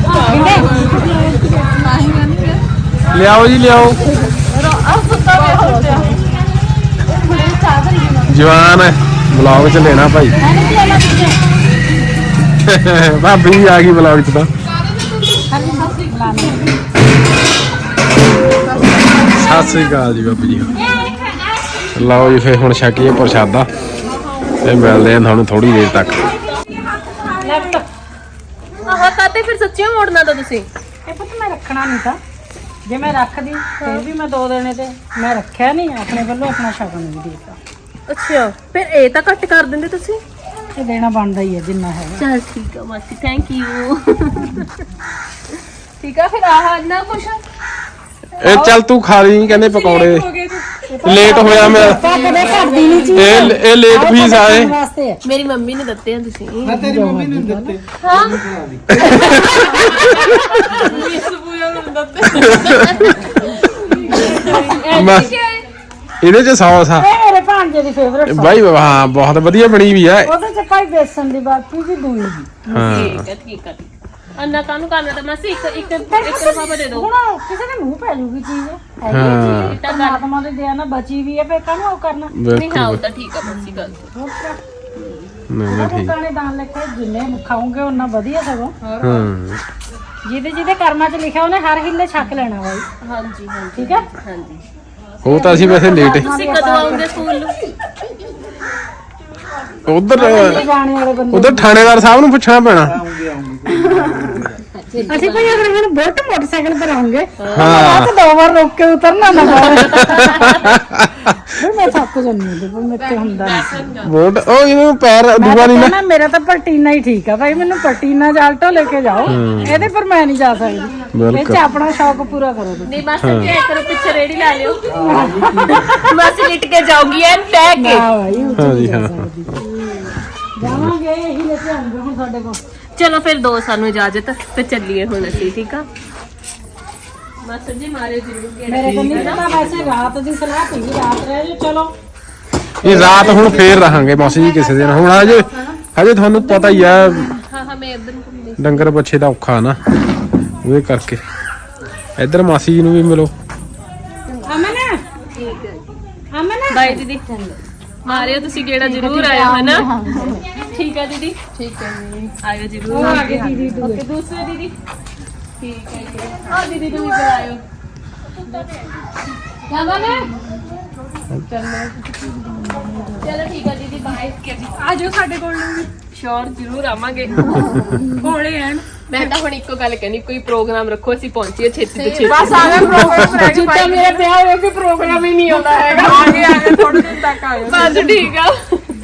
Speaker 1: ਲਿਆਓ ਜੀ ਲਿਆਓ ਜਵਾਨ ਹੈ ਬਲੌਗ ਚ ਲੈਣਾ ਭਾਈ ਭਾਬੀ ਵੀ ਆ ਗਈ ਬਲੌਗ ਚ ਤਾਂ ਸਤਿ ਸ੍ਰੀ ਅਕਾਲ ਜੀ ਬਾਬੂ ਜੀ ਲਓ ਜੀ ਫੇਰ ਹੁਣ ਛਕੀਏ ਪ੍ਰਸ਼ਾਦਾ ਤੇ ਮਿਲਦੇ ਆ ਤੁਹਾਨੂੰ ਥੋੜੀ ਦੇਰ ਤੱਕ।
Speaker 2: ਆਹ ਕਾਤੇ ਫਿਰ ਸੱਚੀ ਮੋੜਨਾ ਤਾਂ ਤੁਸੀਂ।
Speaker 3: ਇਹ ਪੁੱਤ ਮੈਂ ਰੱਖਣਾ ਨਹੀਂ ਤਾਂ ਜੇ ਮੈਂ ਰੱਖਦੀ ਫਿਰ ਵੀ ਮੈਂ ਦੋ ਦੇਣੇ ਤੇ ਮੈਂ ਰੱਖਿਆ ਨਹੀਂ ਆਪਣੇ ਵੱਲੋਂ ਆਪਣਾ ਸ਼ਗਨ ਵੀ ਦੇਤਾ
Speaker 2: ਅੱਛਾ ਫਿਰ ਇਹ ਤਾਂ ਕੱਟ ਕਰ ਦਿੰਦੇ ਤੁਸੀਂ।
Speaker 3: ਇਹ ਦੇਣਾ ਬਣਦਾ ਹੀ ਹੈ ਜਿੰਨਾ ਹੈ
Speaker 2: ਚਲ ਠੀਕ ਆ ਮਾਸੀ ਥੈਂਕ ਯੂ। ਠੀਕ ਆ ਫਿਰ ਆਹ ਨਾ ਕੁਛ
Speaker 1: ਇਹ ਚੱਲ ਤੂੰ ਖਾ ਲਈ ਕਹਿੰਦੇ ਪਕੌੜੇ ਲੇਟ ਹੋਇਆ ਮੈਂ
Speaker 3: ਕਦੇ ਕਰਦੀ ਨਹੀਂ ਚੀਜ਼
Speaker 1: ਇਹ ਇਹ ਲੇਟ ਫੀਸ ਆਏ
Speaker 3: ਵਾਸਤੇ ਹੈ
Speaker 2: ਮੇਰੀ ਮੰਮੀ ਨੇ ਦਿੱਤੇ ਆ ਤੁਸੀਂ।
Speaker 4: ਮੈਂ ਤੇਰੀ ਮੰਮੀ ਨੂੰ ਦਿੱਤੇ
Speaker 2: ਹਾਂ
Speaker 1: ਮੈਂ- ਇਹਦੇ ਚ ਸੌਸ ਆ
Speaker 3: ਇਹ ਮੇਰੇ ਭਾਂਜੇ ਦੀ ਫੇਵਰਟ
Speaker 1: ਬਾਈ ਹਾਂ ਬਹੁਤ ਵਧੀਆ ਬਣੀ ਵੀ ਆ
Speaker 3: ਉਹਦੇ ਚ ਭਾਈ ਬੇਸਨ ਦੀ ਬਾਕੀ ਵੀ ਦੂਈ ਦੀ
Speaker 1: ਹਾਂ
Speaker 2: ਠੀਕ ਹੈ ਠੀਕ ਹੈ ਅੰਨਾ ਕਾਨੂੰ ਕਰਨਾ ਤਾਂ ਮਾਸੀ ਇੱਕ ਇੱਕ ਇੱਕ ਲਿਫਾਫਾ ਦੇ ਦਿਓ।
Speaker 3: ਹੁਣ ਕਿਸੇ ਦੇ ਮੂੰਹ ਪੈ ਜੂਗੀ ਚੀਜ਼ ਹੈਗੀ
Speaker 1: ਹਾਂ।
Speaker 3: ਹੈ ਚੀਜ਼ ਪਰਮਾਤਮਾ ਦੇ ਦਿਆ ਨਾ ਬਚੀ ਵੀ ਹੈ ਫੇਰ ਕਾਹਨੂੰ ਉਹ ਕਰਨਾ
Speaker 2: ਨਹੀਂ ਹਾਂ
Speaker 1: ਬਿਲਕੁਲ
Speaker 2: ਉਹ ਤਾਂ ਠੀਕ ਆ ਮਾਸੀ ਗੱਲ
Speaker 3: ਹੋਰ ਕਿਆ?
Speaker 1: ਨਹੀਂ ਨਹੀਂ ਠੀਕ
Speaker 3: ਲੋਕਾਂ ਨੇ ਦਾਨ ਲਿਖਿਆ ਜਿੰਨੇ ਖਾਓਗੇ ਉਹਨਾਂ ਵਧੀਆ ਸਗੋਂ
Speaker 1: ਹਾਂ
Speaker 3: ਜਿਹਦੇ ਜਿਹਦੇ ਕਰਮਾਂ 'ਚ ਲਿਖਿਆ ਉਹਨੇ ਹਰ ਹਿੱਲੇ ਛੱਕ ਲੈਣਾ ਬਾਈ
Speaker 2: ਹਾਂਜੀ ਹਾਂਜੀ
Speaker 3: ਠੀਕ ਹੈ
Speaker 2: ਹਾਂਜੀ।
Speaker 1: ਉਹ ਤਾਂ ਅਸੀਂ ਵੈਸੇ ਲੇਟ
Speaker 2: ਤੁਸੀਂ ਕਦੋਂ ਆਉਂਗੇ ਸਕੂਲ ਨੂੰ?
Speaker 1: ਉਧਰ
Speaker 3: ਜਾਣੇ ਵਾਲੇ ਬੰਦੇ
Speaker 1: ਉਧਰ ਥਾਣੇਦਾਰ ਸਾਹਿਬ ਨੂੰ ਪੁੱਛਣਾ ਪੈਣਾ
Speaker 3: ਅਸੀਂ ਭਾਈ ਅਗਰ ਮੈਨੂੰ ਬੁਲਟ ਮੋਟਰਸਾਈਕਲ ਪਰ ਆਉਂਗੇ
Speaker 1: ਹਾਂ
Speaker 3: ਤਾਂ ਦੋ ਵਾਰ ਰੋਕ ਕੇ ਉਤਰਨਾ ਨਾ ਫਿਰ ਮੈਂ ਥੱਕ ਜਾਂਦੀ ਹਾਂ ਤੇ ਮੇਰੇ ਤੇ ਹੁੰਦਾ ਨਹੀਂ
Speaker 1: ਵੋਟ ਉਹ ਇਹਨੂੰ ਪੈਰ ਦੂਆ ਨਹੀਂ ਨਾ
Speaker 3: ਨਾ ਮੇਰਾ ਤਾਂ ਪਲਟੀਨਾ ਹੀ ਠੀਕ ਆ ਭਾਈ ਮੈਨੂੰ ਪਲਟੀਨਾ ਜਾਲਟੋ ਲੈ ਕੇ ਜਾਓ ਇਹਦੇ ਪਰ ਮੈਂ ਨਹੀਂ ਜਾ ਸਕਦੀ ਇਹ
Speaker 1: ਬਿਲਕੁਲ
Speaker 3: ਚ ਆਪਣਾ ਸ਼ੌਕ ਪੂਰਾ ਕਰੋ ਤੁਸੀਂ
Speaker 2: ਨਹੀਂ ਮਾਸੀ ਜੀ ਕਰੋ ਪਿੱਛੇ ਰੇੜੀ ਲਾ ਲਿਓ। ਮਾਸੀ ਲਿਟ ਕੇ ਜਾਊਗੀ ਐਨ ਟੈਗ ਕੇ।
Speaker 3: ਹਾਂ ਭਾਈ ਉੱਥੇ
Speaker 1: ਹਾਂ ਜੀ ਹਾਂ
Speaker 3: ਜਾਵਾਂਗੇ ਇਹੀ ਲੈ ਕੇ ਆਉਂਗੇ ਹੁਣ ਸਾਡੇ ਕੋਲ
Speaker 2: ਚਲੋ ਫਿਰ ਦੋ ਸਾਨੂੰ ਇਜਾਜ਼ਤ ਤੇ ਚੱਲੀਏ ਹੁਣ ਅਸੀਂ ਠੀਕ ਆ। ਮਾਸਟਰ ਜੀ ਮਾਰੇ ਜ਼ਰੂਰ ਗੇੜਾ।
Speaker 3: ਮੇਰੇ ਕੋਲ ਨਹੀਂ ਪਤਾ ਵੈਸੇ ਰਾਤ ਦੀ ਸਲਾਹ ਸੀ ਰਾਤ ਰਹਿ ਜਾਓ ਚਲੋ
Speaker 1: ਇਹ ਰਾਤ ਹੁਣ ਫੇਰ ਰਹਾਂਗੇ ਮੌਸੀ ਜੀ ਕਿਸੇ ਦਿਨ ਹੁਣ ਹਜੇ ਹਜੇ ਤੁਹਾਨੂੰ ਪਤਾ ਹੀ ਆ
Speaker 2: ਹਾਂ ਹਾਂ ਮੈਂ ਇੱਧਰ ਨੂੰ ਘੁੰਮਦੀ।
Speaker 1: ਡੰਗਰ ਬੱਚੇ ਦਾ ਔਖਾ ਨਾ ਉਹਦੇ ਕਰਕੇ ਇੱਧਰ ਮਾਸੀ ਜੀ ਨੂੰ ਵੀ ਮਿਲੋ
Speaker 3: ਅਮਨ
Speaker 2: ਠੀਕ ਹੈ
Speaker 3: ਅਮਨ
Speaker 2: ਬਾਏ ਦੀਦੀ ਮਾਰਿਓ ਤੁਸੀਂ ਗੇੜਾ ਜ਼ਰੂਰ ਆਇਓ ਹੈ ਨਾ। ਠੀਕ ਹੈ ਦੀਦੀ ਠੀਕ ਹੈ ਜੀ ਆਇਓ ਜ਼ਰੂਰ।
Speaker 3: ਉਹ ਆ ਗਈ ਦੀਦੀ ਦੂਏ।
Speaker 2: ਓਕੇ ਦੂਸਰੇ ਦੀਦੀ ਠੀਕ ਹੈ ਜੀ ਹਾਂ ਦੀਦੀ ਨੂੰ ਵੀ ਬੁਲਾਇਓ। ਚਲੋ ਠੀਕ ਹੈ ਦੀਦੀ ਬਾਏ।
Speaker 3: ਆ ਜਾਓ ਸਾਡੇ ਕੋਲ ਨੂੰ ਵੀ
Speaker 2: ਸ਼ੋਰ ਜ਼ਰੂਰ ਆਵਾਂਗੇ।
Speaker 3: ਕੋਲੇ ਐਨ
Speaker 2: ਮੈਂ ਤਾਂ ਹੁਣ ਇੱਕੋ ਗੱਲ ਕਹਿਣੀ, ਕੋਈ ਪ੍ਰੋਗਰਾਮ ਰੱਖੋ, ਅਸੀਂ ਪਹੁੰਚੀਏ ਛੇਤੀ ਤੋਂ ਛੇਤੀ।
Speaker 3: ਬਸ ਆ ਗਿਆ ਪ੍ਰੋਗਰਾਮ ਰਹਿ ਗਿਆ
Speaker 2: ਜਿੱਦਾਂ ਮੇਰੇ ਵਿਆਹ ਹੋਇਆ ਕੋਈ ਪ੍ਰੋਗਰਾਮ ਹੀ ਨਹੀਂ ਆਉਂਦਾ ਹੈਗਾ।
Speaker 3: ਆ ਗਏ ਆ ਗਏ ਥੋੜੇ ਦਿਨ ਤੱਕ ਆ ਗਏ
Speaker 2: ਬਸ ਠੀਕ ਆ।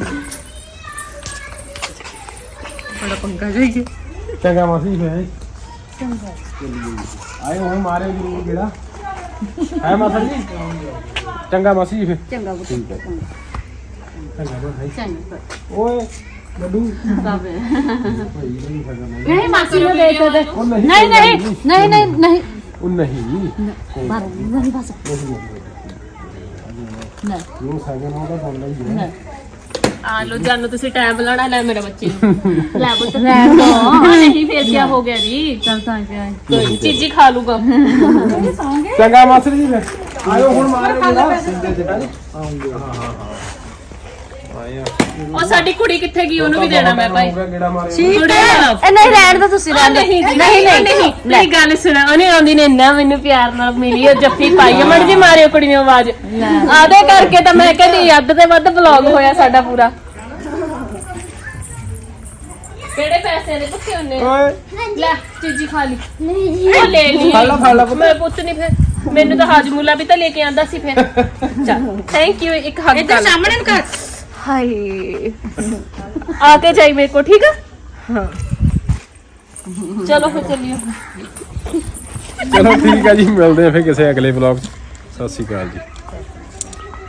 Speaker 3: ਬੜਾ ਪੰਗਾ ਜਾਈਏ
Speaker 1: ਚੰਗਾ ਮਾਸੀ ਫੇਰ ਚੰਗਾ ਆਏ ਹੁਣ ਮਾਰੇ ਜ਼ਰੂਰ ਕਿਹੜਾ ਹੈ ਮਾਸੀ ਜੀ ਚੰਗਾ ਮਾਸੀ ਫੇਰ
Speaker 3: ਚੰਗਾ
Speaker 1: ਠੀਕ ਹੈ ਚੰਗਾ ਭਾਈ
Speaker 3: ਚੰਗਾ
Speaker 1: ਓਏ ਲੱਡੂ
Speaker 3: ਬਾਬੇ
Speaker 1: ਭਾਈ ਨਹੀਂ ਸਕਦਾ
Speaker 3: ਨਹੀਂ ਮਾਸੀ ਨੂੰ ਦੇ ਦੇ
Speaker 1: ਉਹ ਨਹੀਂ
Speaker 3: ਨਹੀਂ ਨਹੀਂ ਨਹੀਂ ਨਹੀਂ ਨਹੀਂ
Speaker 1: ਉਹ ਨਹੀਂ
Speaker 3: ਬਾਰ ਨਹੀਂ ਬਸ ਨਹੀਂ
Speaker 1: ਉਹ ਸਾਗਨ ਉਹਦਾ ਫੋਨ ਲਈ ਹੈ
Speaker 3: ਨਹੀਂ
Speaker 2: ਆ ਲੋ ਜਾਨੋ ਤੁਸੀਂ ਟਾਈਮ ਲਾਣਾ ਲੈ ਮੇਰੇ ਬੱਚੇ
Speaker 3: ਲੈ ਬੁੱਤ ਰਹਿ ਦੋ
Speaker 2: ਨਹੀਂ ਫੇਰ ਕੀ ਹੋ ਗਿਆ ਜੀ,
Speaker 3: ਚੱਲ ਤਾਂ ਕਿਆ
Speaker 2: ਕੋਈ ਚੀਜ਼ੀ ਖਾ ਲੂਗਾ।
Speaker 1: ਚੰਗਾ ਮਾਸੀ ਜੀ ਫੇਰ ਆਇਓ ਹੁਣ ਮਾਰੇ ਕਿਹੜਾ ਆਉਂਗੇ ਹਾਂ ਹਾਂ ਹਾਂ ਆਇਆ
Speaker 2: ਉਹ ਸਾਡੀ ਕੁੜੀ ਕਿੱਥੇ ਗਈ, ਉਹਨੂੰ ਵੀ ਦੇਣਾ ਮੈਂ ਭਾਈ।
Speaker 1: ਕਿਹੜਾ ਮਾਰੇ
Speaker 2: ਕੁੜੀ
Speaker 3: ਇਹ ਨਹੀਂ ਰਹਿਣ ਦਾ ਤੁਸੀਂ ਰਹਿਣ ਦਿਓ।
Speaker 2: ਨਹੀਂ ਨਹੀਂ ਨਹੀਂ ਮੇਰੀ ਗੱਲ ਸੁਣਾ, ਉਹਨੇ ਆਉਂਦੀ ਨੇ ਇੰਨਾ ਮੈਨੂੰ ਪਿਆਰ ਨਾਲ ਮਿਲੀ, ਉਹ ਜੱਫੀ ਪਾਈ ਮੜ ਜੀ ਮਾਰਿਓ ਕੁੜੀ ਨੇ ਆਵਾਜ਼ ਆਦੇ ਕਰਕੇ ਤਾਂ ਮੈਂ ਕਹਿੰਦੀ ਅੱਧ ਤੇ ਵੱਧ ਵਲੌਗ ਹੋਇਆ ਸਾਡਾ ਪੂਰਾ। ਕਿਹੜੇ ਪੈਸੇ ਦੇ ਪੁੱਛੇ ਉਹਨੇ?
Speaker 1: ਓਏ
Speaker 2: ਲੈ ਚੀਜ਼ੀ ਖਾ ਲਈ। ਨਹੀਂ ਜੀ ਉਹ ਲੈ ਲਈ।
Speaker 1: ਫੜ ਲਾ, ਫੜ ਲਾ ਪੁੱਤ।
Speaker 2: ਮੈਂ ਪੁੱਤ ਨਹੀਂ, ਫਿਰ ਮੈਨੂੰ ਤਾਂ ਹਾਜਮੂਲਾ ਵੀ ਤਾਂ ਲੈ ਕੇ ਆਂਦਾ ਸੀ ਫਿਰ। ਚੱਲ ਥੈਂਕ ਯੂ, ਇੱਕ ਹੱਗ
Speaker 3: ਇੱਧਰ ਸਾਹਮਣੇ ਨੂੰ ਕਰ
Speaker 2: ਹਾਏ ਆ ਕੇ ਜਾਈ ਮੇਰੇ ਕੋ, ਠੀਕ ਆ? ਹਾਂ ਚਲੋ ਫਿਰ ਚੱਲੀਏ।
Speaker 1: ਚਲੋ ਠੀਕ ਆ ਜੀ, ਮਿਲਦੇ ਆ ਫਿਰ ਕਿਸੇ ਅਗਲੇ ਵਲੌਗ 'ਚ। ਸਤਿ ਸ਼੍ਰੀ ਅਕਾਲ ਜੀ।